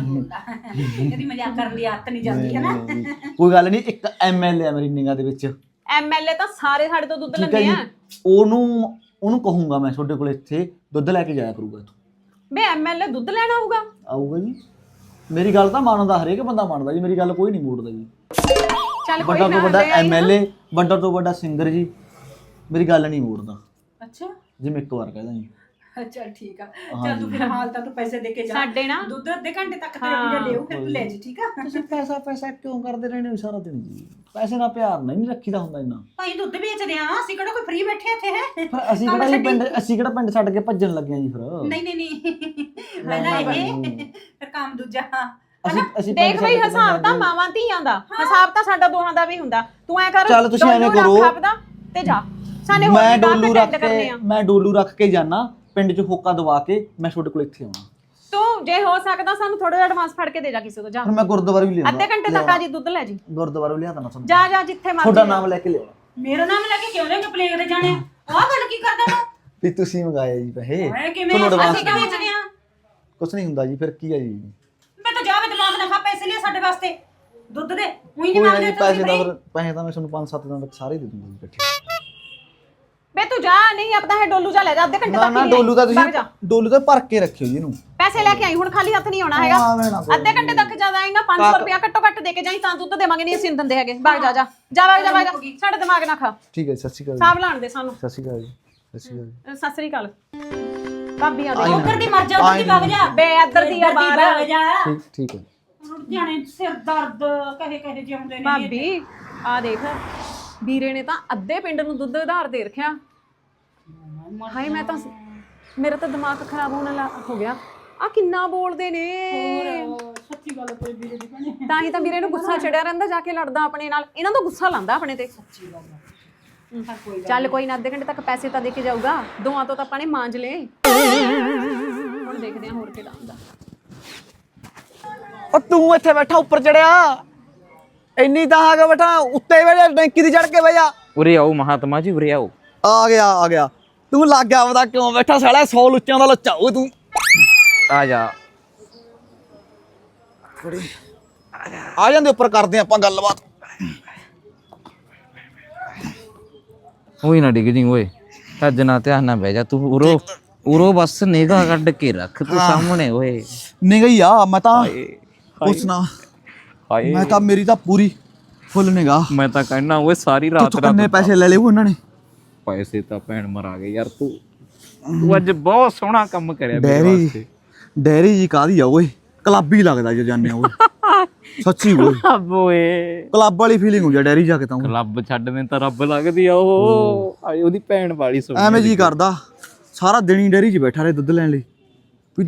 E: ਇਹਦੀ ਮਜ਼ਾਕ ਕਰਨ ਦੀ ਆਦਤ ਨਹੀਂ ਜਾਂਦੀ ਹੈ ਨਾ।
G: ਕੋਈ ਗੱਲ ਨਹੀਂ, ਇੱਕ ਐਮਐਲਏ ਆ ਮੇਰੀ ਨਿਗਾਹ ਦੇ ਵਿੱਚ।
A: ਐਮਐਲਏ ਤਾਂ ਸਾਰੇ ਸਾਡੇ ਤੋਂ ਦੁੱਧ
G: ਠੀਕ ਹੈ
A: ਲੈਂਦੇ
G: ਜੀ।
A: ਆ।
G: ਉਹਨੂੰ ਕਹੂੰਗਾ ਮੈਂ ਤੁਹਾਡੇ ਕੋਲ ਇੱਥੇ ਦੁੱਧ ਲੈ ਕੇ ਜਾਇਆ ਕਰੂਗਾ ਇੱਥੋਂ।
A: ਬੇ ਐਮਐਲਏ ਦੁੱਧ ਲੈਣਾ ਆਊਗਾ?
G: ਆਊਗਾ ਜੀ। ਮੇਰੀ ਗੱਲ ਤਾਂ ਮੰਨਦਾ, ਹਰੇਕ ਬੰਦਾ ਮੰਨਦਾ ਜੀ, ਮੇਰੀ ਗੱਲ ਕੋਈ ਨਹੀਂ ਮੋੜਦਾ ਜੀ।
A: ਚੱਲ ਕੋਈ
G: ਵੱਡਾ
A: ਨਾ,
G: ਤੋਂ ਵੱਡਾ
A: ਲੈ ਆਈ ਨਾ।
G: ਐਮਐਲਏ, ਵੱਡਾ ਤੋਂ ਵੱਡਾ ਸਿੰਗਰ ਜੀ, ਮੇਰੀ ਗੱਲ ਨਹੀਂ ਮੋੜਦਾ
E: ਅੱਛਾ
G: ਜੀ, ਮੈਂ ਇੱਕ ਵਾਰ ਕਹਿਦਾ ਜੀ।
E: ਚੱਲ ਠੀਕ ਆ। ਚੱਲ ਤੂੰ ਫਿਰ ਹਾਲ ਤਾਂ ਤੂੰ ਪੈਸੇ ਦੇ ਕੇ ਜਾ।
A: ਸਾਡੇ ਨਾ
E: ਦੁੱਧ ਅੱਧੇ ਘੰਟੇ ਤੱਕ ਤੇਰੇ ਵੀਰੇ ਲਿਓ, ਫਿਰ ਤੂੰ ਲੈ ਜੀ, ਠੀਕ ਆ?
G: ਤੁਸੀਂ ਪੈਸਾ ਕਿਉਂ ਕਰਦੇ ਰਹਿੰਦੇ ਹੋ ਸਾਰਾ ਦਿਨ ਜੀ? ਪੈਸੇ ਨਾਲ ਪਿਆਰ ਨਹੀਂ ਰੱਖੀਦਾ ਹੁੰਦਾ ਇੰਨਾ।
E: ਭਾਈ ਦੁੱਧ ਵੇਚਦੇ ਆ, ਅਸੀਂ ਕਿਹੜਾ ਕੋਈ ਫ੍ਰੀ ਬੈਠੇ ਇੱਥੇ ਹੈ?
G: ਫਿਰ ਅਸੀਂ ਕਿਹੜਾ ਪਿੰਡ ਛੱਡ ਕੇ ਭੱਜਣ ਲੱਗੇ ਆ ਜੀ ਫਿਰ?
E: ਨਹੀਂ ਨਹੀਂ ਨਹੀਂ, ਪਹਿਲਾਂ ਇਹ ਫਿਰ ਕੰਮ ਦੂਜਾ।
G: ਅਸੀਂ
A: ਦੇਖ ਬਈ, ਹਿਸਾਬ ਤਾਂ ਮਾਵਾਂ ਧੀਆਂ ਦਾ, ਹਿਸਾਬ ਤਾਂ ਸਾਡਾ ਦੋਹਾਂ ਦਾ ਵੀ ਹੁੰਦਾ। ਤੂੰ ਐ ਕਰ,
G: ਚੱਲ ਤੁਸੀਂ ਐਵੇਂ ਕਰੋ,
A: ਤੇ ਜਾ ਸਾਨੇ ਹੋਰ
G: ਮੈਂ
A: ਵੀ
G: ਡੋਲੂ
A: ਗਾਹਕ
G: ਰੱਖ
A: attend ਕਰਨੇ ਆ।
G: ਕੇ ਮੈਂ ਡੋਲੂ ਰੱਖ ਕੇ ਜਾਣਾ ਪਿੰਡ 'ਚ ਹੋਕਾ ਦਵਾ ਕੇ, ਮੈਂ ਤੁਹਾਡੇ ਕੋਲ ਇੱਥੇ ਆਉਣਾ।
A: ਤੂੰ ਜੇ ਹੋ ਸਕਦਾ ਸਾਨੂੰ ਥੋੜਾ ਜਿਹਾ ਐਡਵਾਂਸ ਫੜ ਕੇ ਦੇ ਜਾ ਕਿਸੇ ਤੋਂ, ਜਾ
G: ਫਿਰ ਮੈਂ ਗੁਰਦੁਆਰੇ ਵੀ ਲਿਆਉਂਦਾ,
A: ਅੱਧੇ ਘੰਟੇ ਤੱਕ ਆ ਜੀ, ਦੁੱਧ ਲੈ ਜੀ।
G: ਗੁਰਦੁਆਰੇ ਵੀ ਲਿਆ ਦੇਣਾ ਤੁਹਾਨੂੰ।
A: ਜਾ ਜਾ ਜਿੱਥੇ ਮਰਜ਼ੀ।
G: ਤੁਹਾਡਾ ਨਾਮ ਲੈ ਕੇ ਲਿਆਉਣਾ
E: ਮੇਰਾ ਨਾਮ ਲੈ ਕੇ ਕਿਉਂ ਲੈ ਕੇ ਪਲੇਗ ਤੇ ਜਾਣੇ? ਆਹ ਗੱਲ ਕੀ ਕਰਦਾ ਤੂੰ?
G: ਵੀ ਤੁਸੀਂ ਮੰਗਾਇਆ ਜੀ ਪੈਸੇ।
E: ਓਏ ਕਿਵੇਂ
G: ਤੁਹਾਨੂੰ advance
E: ਅਸੀਂ ਕਿਉਂ ਵੇਚਦੇ ਆ?
G: ਕੁਛ ਨਹੀਂ ਹੁੰਦਾ ਜੀ, ਫਿਰ ਕੀ ਹੈ ਜੀ?
E: ਮੈਂ ਤਾਂ ਜਾਵੇ ਦਿਮਾਗ ਨਾ ਖਾ, ਪੈਸੇ ਲਿਆ ਸਾਡੇ ਵਾਸਤੇ ਦੁੱਧ ਦੇ। ਉਹੀ ਨਹੀਂ
G: ਕੋਈ ਨਾ
E: ਮੰਗਦੇ
G: ਜੀ,
E: ਤੁਸੀਂ
G: ਪੈਸੇ ਤਾਂ ਮੈਂ ਤੁਹਾਨੂੰ 5-7 ਦਿਨਾਂ ਤੱਕ ਸਾਰੇ ਦੇ ਦੂੰਗਾ ਜੀ ਇਕੱਠੇ।
A: ਬੇ ਤੂੰ ਜਾ, ਨਹੀਂ ਆਪਦਾ ਹੈ ਡੋਲੂ ਜਾ ਲੈ ਜਾ, ਅੱਧੇ ਘੰਟੇ
G: ਨਾ
A: ਤੱਕ
G: ਨਾ,
A: ਹੀ
G: ਡੋਲੂ ਤਾਂ
A: ਵਗ
G: ਤੁਸੀਂ
A: ਜਾ।
G: ਡੋਲੂ ਤਾਂ ਭਰ ਕੇ ਰੱਖਿਓ ਜੀ ਇਹਨੂੰ।
A: ਪੈਸੇ ਲੈ ਕੇ ਆਈ, ਹੁਣ ਖਾਲੀ ਹੱਥ ਨਹੀਂ ਆਉਣਾ ਹੈਗਾ।
G: ਆਵੇਂ ਨਾ ਕਰੋ।
A: ਅੱਧੇ ਘੰਟੇ ਤੱਕ ਜ਼ਿਆਦਾ ਆਏਗਾ, 500 ਰੁਪਇਆ ਘੱਟੋ ਘੱਟ ਦੇ ਕੇ ਜਾਈ, ਤਾਂ ਦੁੱਧ ਦੇਵਾਂਗੇ, ਨਹੀਂ ਅਸੀਂ ਦਿੰਦੇ ਹੈਗੇ। ਵਗ ਜਾ ਜਾ ਜਾ, ਵਗ ਜਾ ਵਗ ਜਾ, ਸਾਡੇ ਦਿਮਾਗ ਨਾ ਖਾ।
G: ਠੀਕ ਹੈ, ਸਤਿ ਸ਼੍ਰੀ ਅਕਾਲ
A: ਸਾਬ ਲਾਣ ਦੇ ਸਾਨੂੰ।
G: ਸਤਿ ਸ਼੍ਰੀ ਅਕਾਲ ਜੀ, ਸਤਿ ਸ਼੍ਰੀ ਅਕਾਲ।
A: ਸਤਿ ਸ੍ਰੀ ਅਕਾਲ ਭਾਬੀ ਆ ਦੇ।
E: ਉੱਧਰ ਦੀ ਮਰ ਜਾ, ਉੱਧਰ ਦੀ ਵਗ ਜਾ।
A: ਬੇ ਇੱਧਰ ਦੀ ਆ ਬਾਹਰ।
E: ਵਗ ਜਾ।
G: ਠੀਕ ਹੈ।
E: ਜਾਣੇ ਸਿਰ ਦਰਦ ਕਹੇ ਜਿਉਂਦੇ ਨੇ।
A: ਭਾਬੀ ਆ ਦੇਖ, ਵੀਰੇ ਨੇ ਤਾਂ ਅੱਧੇ ਪਿੰਡ ਨੂੰ ਦੁੱਧ ਉਧਾਰ ਦੇ ਰੱਖਿਆ। ਹਾਏ ਮੈਂ ਤਾਂ, ਮੇਰਾ ਤਾਂ ਦਿਮਾਗ ਖਰਾਬ ਹੋਣ ਲੱਗ ਹੋ ਗਿਆ। ਆ ਕਿੰਨਾ ਬੋਲਦੇ ਨੇ। ਤਾਂ ਹੀ ਤਾਂ ਵੀਰੇ ਨੂੰ ਗੁੱਸਾ ਚੜਿਆ ਰਹਿੰਦਾ, ਜਾ ਕੇ ਲੜਦਾ ਆਪਣੇ ਨਾਲ, ਇਹਨਾਂ ਤੋਂ ਗੁੱਸਾ ਲਾਂਦਾ ਆਪਣੇ ਤੇ। ਚੱਲ ਕੋਈ ਨਾ, ਅੱਧੇ ਘੰਟੇ ਤੱਕ ਪੈਸੇ ਤਾਂ ਦੇ ਕੇ ਜਾਊਗਾ, ਦੋਆਂ ਤੋਂ ਤਾਂ ਆਪਾਂ ਨੇ ਮਾਂਜ ਲਏ। ਹੁਣ ਦੇਖਦੇ ਹਾਂ ਹੋਰ ਕਿਹੜਾ ਹੁੰਦਾ।
G: ਉਹ ਤੂੰ ਇੱਥੇ ਬੈਠਾ ਉੱਪਰ ਚੜਿਆ, ਇੰਨੀ ਤਾਂ ਆ ਕੇ ਬੈਠਾ ਉੱਤੇ ਵੇਲੇ ਟੈਂਕੀ ਦੀ ਚੜ ਕੇ ਬਹਿ ਜਾ।
F: ਉਰੇ ਆਓ ਮਹਾਤਮਾ ਜੀ, ਉਰੇ ਆਓ।
G: ਆ ਗਿਆ ਤੂੰ ਲੱਗ ਗਿਆ ਪਤਾ ਕਿਉਂ ਬੈਠਾ ਸਾਲਾ 100 ਲੁੱਚਾਂ ਦਾ ਲੱਚਾ ਓਏ ਤੂੰ।
F: ਆ ਜਾ।
G: ਆ ਜਾਂਦੇ ਉੱਪਰ ਕਰਦੇ ਆਪਾਂ ਗੱਲਬਾਤ।
F: ਹੋਈ ਨਾ ਡਿੱਗ ਜੀ ਓਏ, ਅੱਜ ਨਾ ਧਿਆਨ ਨਾਲ ਬਹਿ ਜਾ ਤੂੰ। ਉਰੋ ਬਸ ਨਿਗਾਹ ਕੱਢ ਕੇ ਰੱਖ ਤੂੰ ਸਾਹਮਣੇ ਓਏ।
G: ਨਹੀਂ ਗਈ ਆ ਮੈਂ ਤਾਂ ਪੁੱਛਣਾ,
F: ਹਾਏ
G: ਮੈਂ ਤਾਂ ਮੇਰੀ ਤਾਂ ਪੂਰੀ ਫੁੱਲ ਨਿਗਾਹ।
F: ਮੈਂ ਤਾਂ ਕਹਿਣਾ ਓਏ ਸਾਰੀ ਰਾਤ
G: ਤੂੰ ਕਿੰਨੇ ਪੈਸੇ ਲੈ ਲਏ ਉਹਨਾਂ ਨੇ?
F: ਪੈਸੇ ਤਾਂ ਭੈਣ ਮਰਾ ਗਏ ਯਾਰ। ਤੂੰ ਅੱਜ ਬਹੁਤ ਸੋਹਣਾ ਕੰਮ ਕਰਿਆ ਮੇਰੇ ਵਾਸਤੇ।
G: ਡੈਰੀ ਜੀ ਕਾਹਦੀ ਆ ਓਏ, ਕਲੱਬ ਹੀ ਲੱਗਦਾ ਜੇ ਜਾਂਦੇ ਆ ਓਏ। ਸੱਚੀ ਓਏ,
F: ਓਏ
G: ਕਲੱਬ ਵਾਲੀ ਫੀਲਿੰਗ ਹੋ ਜਾ ਡੈਰੀ ਜਾ ਕੇ ਤਾਂ ਓਏ।
F: ਕਲੱਬ ਛੱਡ ਮੈਂ ਤਾਂ ਰੱਬ ਲੱਗਦੀ ਆ ਉਹ। ਆਏ ਉਹਦੀ ਭੈਣ ਵਾਲੀ ਸੋਹਣੀ।
G: ਐਵੇਂ ਜੀ ਕਰਦਾ ਸਾਰਾ ਦਿਨ ਹੀ ਡੈਰੀ 'ਚ ਬੈਠਾ ਰਹੇ ਦੁੱਧ ਲੈਣ ਲਈ, ਵੀ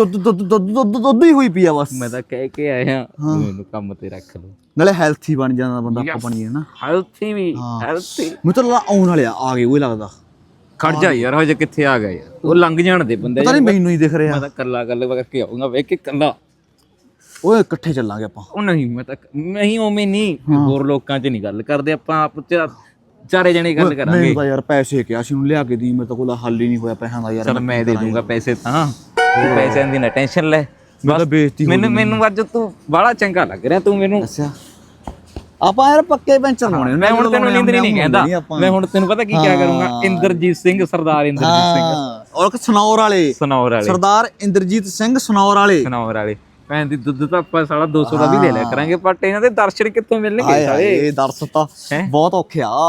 G: ਦੁੱਧ ਹੀ ਹੋਈ ਪਈ ਆ ਬਸ।
F: ਮੈਂ ਤਾਂ ਕਹਿ ਕੇ ਆਇਆ ਮੈਨੂੰ ਕੰਮ ਤੇ ਰੱਖ ਲਓ,
G: ਨਾਲੇ ਹੈਲਥੀ ਬਣ ਜਾਂਦਾ ਬੰਦਾ, ਆਪਾਂ ਬਣੀਏ ਨਾ
F: ਹੈਲਥੀ ਵੀ ਹੈਲਥੀ।
G: ਮੈਨੂੰ ਤਾਂ ਆਉਣ ਵਾਲੇ ਆ ਗਏ ਓਏ ਲੱਗਦਾ।
F: ਖੜ ਜਾ ਯਾਰ, ਹਜੇ ਕਿੱਥੇ ਆ ਗਿਆ ਯਾਰ, ਉਹ ਲੰਘ ਜਾਣ ਦੇ ਬੰਦੇ।
G: ਪਤਾ ਨਹੀਂ ਮੈਨੂੰ ਹੀ ਦਿਖ ਰਿਹਾ।
F: ਮੈਂ ਤਾਂ ਕੱਲਾ ਗੱਲ ਕਰਕੇ ਆਉਂਗਾ, ਵੇਖ ਕੇ ਕੱਲਾ।
G: ਓਏ ਇਕੱਠੇ ਚੱਲਾਂਗੇ ਆਪਾਂ।
F: ਉਹ ਨਹੀਂ, ਮੈਂ ਤਾਂ ਨਹੀਂ ਉਵੇਂ ਨਹੀਂ, ਹੋਰ ਲੋਕਾਂ 'ਚ ਨਹੀਂ ਗੱਲ ਕਰਦੇ ਆਪਾਂ, ਆਪ 'ਚ ਚਾਰੇ ਜਣੇ ਗੱਲ ਕਰਾਂਗੇ।
G: ਮੈਨੂੰ ਤਾਂ ਯਾਰ ਪੈਸੇ ਕਿਹਾ ਸੀ ਉਹਨੂੰ ਲਿਆ ਕੇ ਦੀ, ਮੇਰੇ ਤਾਂ ਕੋਲ ਹੱਲ ਹੀ ਨਹੀਂ ਹੋਇਆ ਪੈਸਿਆਂ ਦਾ ਯਾਰ।
F: ਚਲ ਮੈਂ ਦੇ ਦੂੰਗਾ ਪੈਸੇ ਤਾਂ, ਤੂੰ ਪੈਸਿਆਂ ਦੀ ਨਾ ਟੈਨਸ਼ਨ ਲੈ।
G: ਮੈਂ ਤਾਂ ਬੇਇੱਜ਼ਤੀ ਹੋ ਗਈ।
F: ਮੈਨੂੰ ਅੱਜ ਤੂੰ ਬੜਾ ਚੰਗਾ ਲੱਗ ਰਿਹਾ ਤੂੰ ਮੈਨੂੰ।
G: ਅੱਛਾ ਆਪਾਂ ਯਾਰ ਪੱਕੇ ਪੈਂਚਰ ਲਾਉਣੇ।
F: ਮੈਂ ਹੁਣ ਤੈਨੂੰ ਨੀਂਦਰੀ ਨਹੀਂ ਕਹਿੰਦਾ, ਮੈਂ ਹੁਣ ਤੈਨੂੰ ਪਤਾ ਕੀ ਕਿਆ ਕਰੂੰਗਾ। ਇੰਦਰਜੀਤ ਸਿੰਘ, ਸਰਦਾਰ ਇੰਦਰਜੀਤ ਸਿੰਘ।
G: ਔਰ ਸਨੌਰ ਵਾਲੇ ਸਰਦਾਰ ਇੰਦਰਜੀਤ ਸਿੰਘ ਸਨੌਰ ਵਾਲੇ।
F: ਭੈਣ ਦੀ ਦੁੱਧ ਤਾਂ ਆਪਾਂ ਸਾਲਾ 200 ਦਾ ਵੀ ਲੈ ਲਿਆ ਕਰਾਂਗੇ, ਬਟ ਇਹਨਾਂ ਦੇ ਦਰਸ਼ਨ ਕਿੱਥੋਂ ਮਿਲਣਗੇ ਸਾਲੇ?
G: ਇਹ ਦਰਸ ਤਾਂ ਬਹੁਤ ਔਖੇ ਆ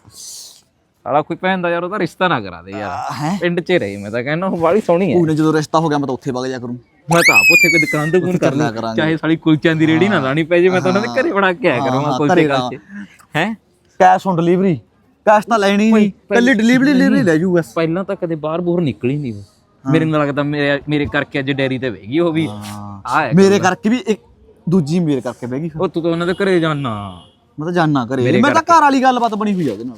F: ਸਾਲਾ। ਕੋਈ ਭੈਣ ਦਾ ਯਾਰ ਉਹਦਾ ਰਿਸ਼ਤਾ ਨਾ ਕਰਾ ਦੇ ਯਾਰ, ਪਿੰਡ 'ਚ ਰਹੀ। ਮੈਂ ਤਾਂ ਕਹਿੰਦਾ ਉਹ ਬਾਲੀ ਸੋਹਣੀ ਹੈ।
G: ਉਹਨੇ ਜਦੋਂ ਰਿਸ਼ਤਾ ਹੋ ਗਿਆ ਮੈਂ ਤਾਂ ਉੱਥੇ ਵਗ ਜਾ ਕਰੂੰ।
F: ਮੈਂ ਤਾਂ ਆਪ ਉੱਥੇ ਕੋਈ ਦੁਕਾਨ ਤੋਂ ਕਰ ਲਿਆ ਕਰਾਂਗੇ, ਚਾਹੇ ਸਾਲੀ ਕੁਲਚਿਆਂ ਦੀ ਰੇੜੀ ਨਾ ਲਾਣੀ ਪੈ ਜੇ, ਮੈਂ ਤਾਂ ਉਹਨਾਂ ਦੇ ਘਰੇ ਬਣਾ ਕੇ ਆਇਆ ਕਰੂੰਗਾ ਕੁਲਚੇ ਖਾਤੇ। ਹੈ
G: ਕੈਸ਼ ਔਨ ਡਿਲੀਵਰੀ, ਕੈਸ਼ ਤਾਂ ਲੈਣੀ ਨਹੀਂ, ਪਹਿਲੀ ਡਿਲੀਵਰੀ ਲੈ ਜੂ ਬਸ।
F: ਪਹਿਲਾਂ ਤਾਂ ਕਦੇ ਬਾਹਰ ਬੂਰ ਨਿਕਲੀ ਨਹੀਂ ਉਹ। ਮੇਰੇ ਨਾਲ ਲੱਗਦਾ ਮੇਰੇ ਕਰਕੇ ਅੱਜ ਡੈਰੀ ਤੇ ਬਹਿ ਗਈ ਉਹ ਵੀ।
G: ਮੇਰੇ ਕਰਕੇ ਵੀ ਇੱਕ ਦੂਜੀ ਮੇਰੇ ਕਰਕੇ ਬਹਿ ਗਈ।
F: ਉਹ ਤੂੰ ਤਾਂ ਉਹਨਾਂ ਦੇ ਘਰੇ ਜਾਣਾ।
G: ਮੈਂ ਤਾਂ ਜਾਣਾ ਘਰੇ, ਮੈਂ ਤਾਂ ਘਰ ਵਾਲੀ ਗੱਲਬਾਤ ਬਣੀ ਹੋਈ ਆ ਉਹਦੇ ਨਾਲ।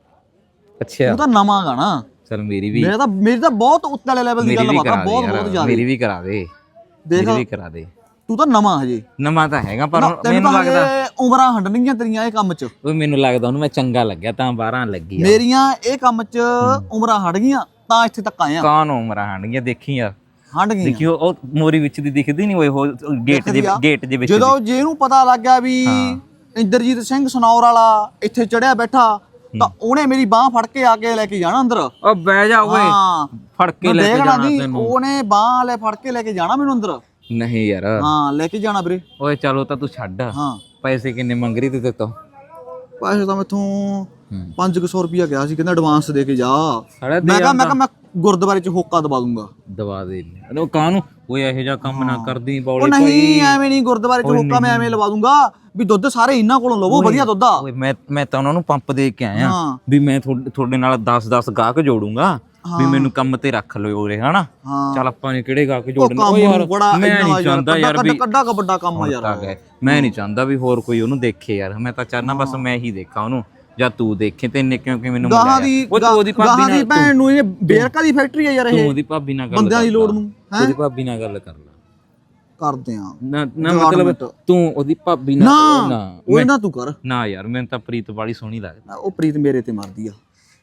F: ਅੱਛਾ
G: ਉਹ ਤਾਂ ਨਵਾਂ ਗਾਣਾ।
F: ਚਲ ਮੇਰੀ
G: ਤਾਂ ਬਹੁਤ ਉੱਤੇ ਵਾਲੇ ਲੈਵਲ ਦੀ ਗੱਲਬਾਤ ਆ, ਬਹੁਤ ਜ਼ਿਆਦਾ।
F: ਮੇਰੀ ਵੀ ਕਰਾ ਦੇ, ਮੇਰੀ ਵੀ ਕਰਾ ਦੇ।
G: ਤੂੰ ਤਾਂ ਨਵਾਂ ਹਜੇ।
F: ਨਵਾਂ ਤਾਂ ਹੈਗਾ, ਪਰ
G: ਮੈਨੂੰ ਲੱਗਦਾ ਉਮਰਾਂ ਹੰਡਣਗੀਆਂ ਤੇਰੀਆਂ ਇਹ ਕੰਮ 'ਚ।
F: ਉਹ ਮੈਨੂੰ ਲੱਗਦਾ ਉਹਨੂੰ ਮੈਂ ਚੰਗਾ ਲੱਗਿਆ ਤਾਂ 12 ਲੱਗੀ।
G: ਮੇਰੀਆਂ ਇਹ ਕੰਮ 'ਚ ਉਮਰਾਂ ਹਟ ਗਈਆਂ ਤਾਂ ਇੱਥੇ ਤੱਕ ਆਇਆ।
F: ਕੌਣ ਉਮਰਾਂ ਹੰਡ ਗਈਆਂ? ਦੇਖੀ ਯਾਰ,
G: ਹੰਡ ਗਈਆਂ।
F: ਦੇਖੀ ਉਹ ਮੋਰੀ ਵਿੱਚ ਦੀ ਦਿਖਦੀ ਨਹੀਂ ਉਹ ਗੇਟ ਦੇ ਵਿੱਚ।
G: ਜਦੋਂ ਜੇ ਇਹਨੂੰ ਪਤਾ ਲੱਗ ਗਿਆ ਵੀ ਇੰਦਰਜੀਤ ਸਿੰਘ ਸਨੌਰ ਵਾਲਾ ਇੱਥੇ ਚੜਿਆ ਬੈਠਾ, ਤਾਂ ਉਹਨੇ ਮੇਰੀ ਬਾਹ ਫੜ ਕੇ ਆ ਕੇ ਲੈ ਕੇ ਜਾਣਾ ਅੰਦਰ।
F: ਉਹ ਬਹਿ ਜਾ ਓਏ, ਫੜ ਕੇ ਲੈ ਕੇ ਜਾਣਾ ਤੈਨੂੰ।
G: ਉਹਨੇ ਬਾਹ ਲੈ ਫੜ ਕੇ ਲੈ ਕੇ ਜਾਣਾ ਮੈਨੂੰ ਅੰਦਰ।
F: ਨਹੀਂ ਯਾਰ,
G: ਹਾਂ ਲੈ ਕੇ ਜਾਣਾ ਵੀਰੇ।
F: ਓਏ ਚਲੋ ਤਾਂ ਤੂੰ ਛੱਡ।
G: ਹਾਂ
F: ਪੈਸੇ ਕਿੰਨੇ ਮੰਗ ਰਹੀ ਤੇ ਤੋਂ?
G: ਪੈਸੇ ਤਾਂ ਮੈਥੋਂ 500 ਰੁਪਇਆ ਗਿਆ ਸੀ, ਕਹਿੰਦਾ ਐਡਵਾਂਸ ਦੇ ਕੇ ਜਾ।
F: ਸਾਡਾ
G: ਮੈਂ ਕਿਹਾ ਮੈਂ ਗੁਰਦੁਆਰੇ 'ਚ ਹੋਕਾ ਦਵਾ ਦੂੰਗਾ।
F: ਦਵਾ ਦੇ ਉਹ ਕਾਹਨੂੰ? ਓਏ ਇਹੋ ਜਿਹਾ ਕੰਮ ਨਾ ਕਰਦੀ ਬੌਲੇ।
G: ਉਹ ਨਹੀਂ ਐਵੇਂ ਨਹੀਂ, ਗੁਰਦੁਆਰੇ 'ਚ ਹੋਕਾ ਮੈਂ ਐਵੇਂ ਲਵਾ ਦੂੰਗਾ ਵੀ ਦੁੱਧ ਸਾਰੇ ਇਹਨਾਂ ਕੋਲੋਂ ਲਵੋ, ਵਧੀਆ ਦੁੱਧ ਆ।
F: ਓਏ ਮੈਂ ਤਾਂ ਉਹਨਾਂ ਨੂੰ ਪੰਪ ਦੇ ਕੇ ਆਇਆ ਵੀ ਮੈਂ ਤੁਹਾਡੇ ਨਾਲ 10-10 ਗਾਹਕ ਜੋੜੂੰਗਾ, ਵੀ ਮੈਨੂੰ ਕੰਮ ਤੇ ਰੱਖ ਲਿਓ ਉਰੇ, ਹਨਾ? ਚੱਲ ਆਪਾਂ ਨੇ ਕਿਹੜੇ ਗਾਹਕ ਜੋੜਨੇ? ਓ ਯਾਰ ਮੈਂ ਨਹੀਂ ਚਾਹੁੰਦਾ ਯਾਰ ਵੀ
G: ਕੱਡਾ ਕ ਵੱਡਾ ਕੰਮ ਆ ਯਾਰ।
F: ਮੈਂ ਨਹੀਂ ਚਾਹੁੰਦਾ ਵੀ ਹੋਰ ਕੋਈ ਉਹਨੂੰ ਦੇਖੇ ਯਾਰ। ਮੈਂ ਤਾਂ ਚਾਹਨਾ ਬਸ ਮੈਂ ਹੀ ਦੇਖਾਂ ਉਹਨੂੰ, ਜਾਂ ਤੂੰ ਦੇਖੇ। ਤੈਨੇ ਕਿਉਂਕਿ ਮੈਨੂੰ
G: ਗਾਹਾਂ ਦੀ ਭੈਣ ਨੂੰ ਇਹ ਬੇਰਕਾ ਦੀ ਫੈਕਟਰੀ ਆ ਯਾਰ ਇਹ।
F: ਤੂੰ ਉਹਦੀ ਭਾਬੀ ਨਾਲ ਗੱਲ ਕਰ,
G: ਬੰਦਿਆਂ ਦੀ ਲੋੜ ਨੂੰ
F: ਉਹਦੀ ਭਾਬੀ ਨਾਲ ਗੱਲ ਕਰ ਲੈ।
G: ਕਰਦੇ ਆ
F: ਨਾ ਮਤਲਬ ਤੂੰ ਉਹਦੀ ਭਾਬੀ ਨਾਲ
G: ਨਾ ਉਹ ਨਾ ਤੂੰ ਕਰ
F: ਨਾ ਯਾਰ। ਮੈਨੂੰ ਤਾਂ ਪ੍ਰੀਤ ਵਾਲੀ ਸੋਹਣੀ ਲੱਗਦੀ।
G: ਉਹ ਪ੍ਰੀਤ ਮੇਰੇ ਤੇ ਮਰਦੀ ਆ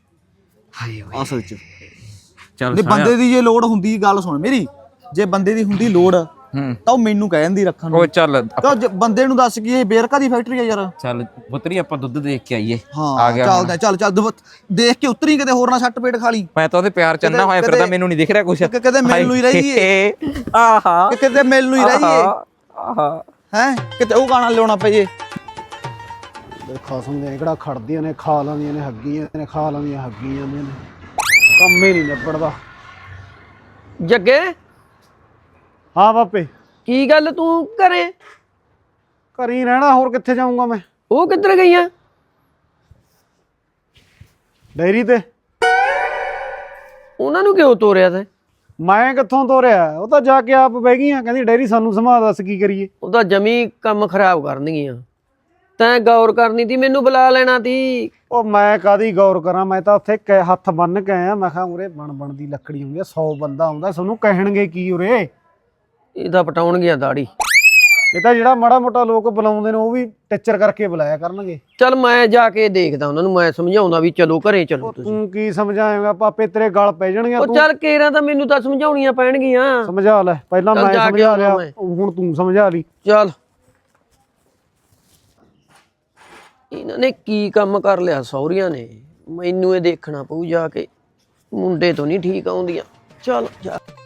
F: ਹਾਏ ਓਏ
G: ਅਸਲ 'ਚ।
F: ਚੱਲ
G: ਜੇ ਬੰਦੇ ਦੀ ਜੇ ਲੋੜ ਹੁੰਦੀ, ਗੱਲ ਸੁਣ ਮੇਰੀ, ਜੇ ਬੰਦੇ ਦੀ ਹੁੰਦੀ ਲੋੜ ਤਾਂ ਉਹ ਮੈਨੂੰ ਕਹਿ ਜਾਂਦੀ ਰੱਖਣ ਨੂੰ।
F: ਓ ਚੱਲ
G: ਬੰਦੇ ਨੂੰ ਦੱਸ ਕਿ ਇਹ ਬੇਰਕਾ ਦੀ ਫੈਕਟਰੀ ਆ ਯਾਰ।
F: ਚੱਲ ਪੁੱਤਰੀ ਆਪਾਂ ਦੁੱਧ ਦੇਖ ਕੇ ਆਈਏ।
G: ਆ ਗਿਆ ਚੱਲ ਦੇਖ ਕੇ ਉਤਰੀ, ਕਿਤੇ ਹੋਰ ਨਾ ਛੱਟ ਪੇਟ ਖਾ ਲਈ।
F: ਮੈਂ ਤਾਂ ਉਹਦੇ ਪਿਆਰ ਚੰਨਾ ਹੋਇਆ ਫਿਰਦਾ, ਮੈਨੂੰ ਨਹੀਂ ਦਿਖ ਰਿਹਾ ਕੁਛ।
G: ਕਿਤੇ ਮਿਲ ਨੂੰ ਹੀ ਰਹੀਏ।
F: ਆਹਾ
G: ਕਿਤੇ ਮਿਲ ਨੂੰ ਹੀ ਰਹੀਏ।
F: ਆਹਾ
G: ਹੈ ਕਿਤੇ ਉਹ ਗਾਣਾ ਲਿਆਉਣਾ ਪਏ ਜੇ।
C: ਖਸਮ ਦੇ ਕਿਹੜਾ ਖੜਦੀਆਂ ਨੇ, ਖਾ ਲੈਂਦੀਆਂ ਨੇ ਹੱਗੀਆਂ ਨੇ, ਖਾ ਲੈਂਦੀਆਂ ਹੱਗੀਆਂ ਨੇ, ਕੰਮ ਹੀ ਨਹੀਂ ਨਿਬੜਦਾ।
H: ਜੱਗੇ
C: ਹਾਂ ਬਾਪੇ,
H: ਕੀ ਗੱਲ ਤੂੰ ਘਰੇ?
C: ਘਰ ਹੀ ਰਹਿਣਾ, ਹੋਰ ਕਿੱਥੇ ਜਾਊਂਗਾ ਮੈਂ?
H: ਉਹ ਕਿੱਧਰ ਗਈਆਂ?
C: ਡੈਰੀ ਤੇ।
H: ਉਹਨਾਂ ਨੂੰ ਕਿਉਂ ਤੋਰਿਆ ਤੈਂ?
C: ਮੈਂ ਕਿੱਥੋਂ ਤੋਰਿਆ, ਉਹ ਤਾਂ ਜਾ ਕੇ ਆਪ ਬਹਿ ਗਈਆਂ, ਕਹਿੰਦੀ ਡੈਰੀ ਸਾਨੂੰ ਸੰਭਾਲ, ਦੱਸ ਕੀ ਕਰੀਏ।
H: ਉਹਦਾ ਜਮੀ ਕੰਮ ਖਰਾਬ ਕਰਨਗੀਆਂ। ਤੈਂ ਗੌਰ ਕਰਨੀ ਤੀ, ਮੈਨੂੰ ਬੁਲਾ ਲੈਣਾ ਤੀ।
C: ਉਹ ਮੈਂ ਕਾਦੀ ਗੌਰ ਕਰਾਂ, ਮੈਂ ਤਾਂ ਉੱਥੇ ਹੱਥ ਬੰਨ ਕੇ ਆਇਆ। ਮੈਂ ਕਿਹਾ ਉਰੇ ਬਣ ਦੀ ਲੱਕੜੀ ਹੁੰਦੀ ਆ, 100 ਬੰਦਾ ਆਉਂਦਾ, ਤੁਹਾਨੂੰ ਕਹਿਣਗੇ ਕੀ ਉਰੇ।
H: ਇਹ ਤਾਂ ਪਟਾਉਣਗੀਆਂ ਦਾੜੀ।
C: ਇਹ ਤਾਂ ਜਿਹੜਾ ਮਾੜਾ ਮੋਟਾ ਲੋਕ ਬੁਲਾਉਂਦੇ ਨੇ ਉਹ ਵੀ ਟਿੱਚਰ ਕਰਕੇ ਬੁਲਾਇਆ ਕਰਨਗੇ।
H: ਚੱਲ ਮੈਂ ਜਾ ਕੇ ਦੇਖਦਾ ਉਹਨਾਂ ਨੂੰ, ਮੈਂ ਸਮਝਾਉਂਦਾ ਵੀ ਚਲੋ ਘਰੇ ਚਲੋ ਤੁਸੀਂ।
C: ਤੂੰ ਕੀ ਸਮਝਾਏਂਗਾ, ਪਾਪੇ ਤੇਰੇ ਗਲ ਪੈ ਜਾਣਗੇ।
H: ਉਹ ਚੱਲ ਕੇਰਾਂ ਤਾਂ ਮੈਨੂੰ ਤਾਂ ਸਮਝਾਉਣੀਆਂ ਪੈਣਗੀਆਂ।
C: ਸਮਝਾ ਲੈ, ਪਹਿਲਾਂ
H: ਚੱਲ
C: ਮੈਂ
H: ਜਾ ਕੇ
C: ਸਮਝਾ ਲਿਆ,
H: ਆਉਣਾ ਮੈਂ।
C: ਹੁਣ ਤੂੰ ਸਮਝਾ ਲਈ।
H: ਚੱਲ ਇਹਨਾਂ ਨੇ ਕੀ ਕੰਮ ਕਰ ਲਿਆ ਸਹੁਰੀਆਂ ਨੇ, ਮੈਨੂੰ ਇਹ ਦੇਖਣਾ ਪਊ ਜਾ ਕੇ। ਮੁੰਡੇ ਤੋਂ ਨਹੀਂ ਠੀਕ ਆਉਂਦੀਆਂ। ਚੱਲ ਜਾ।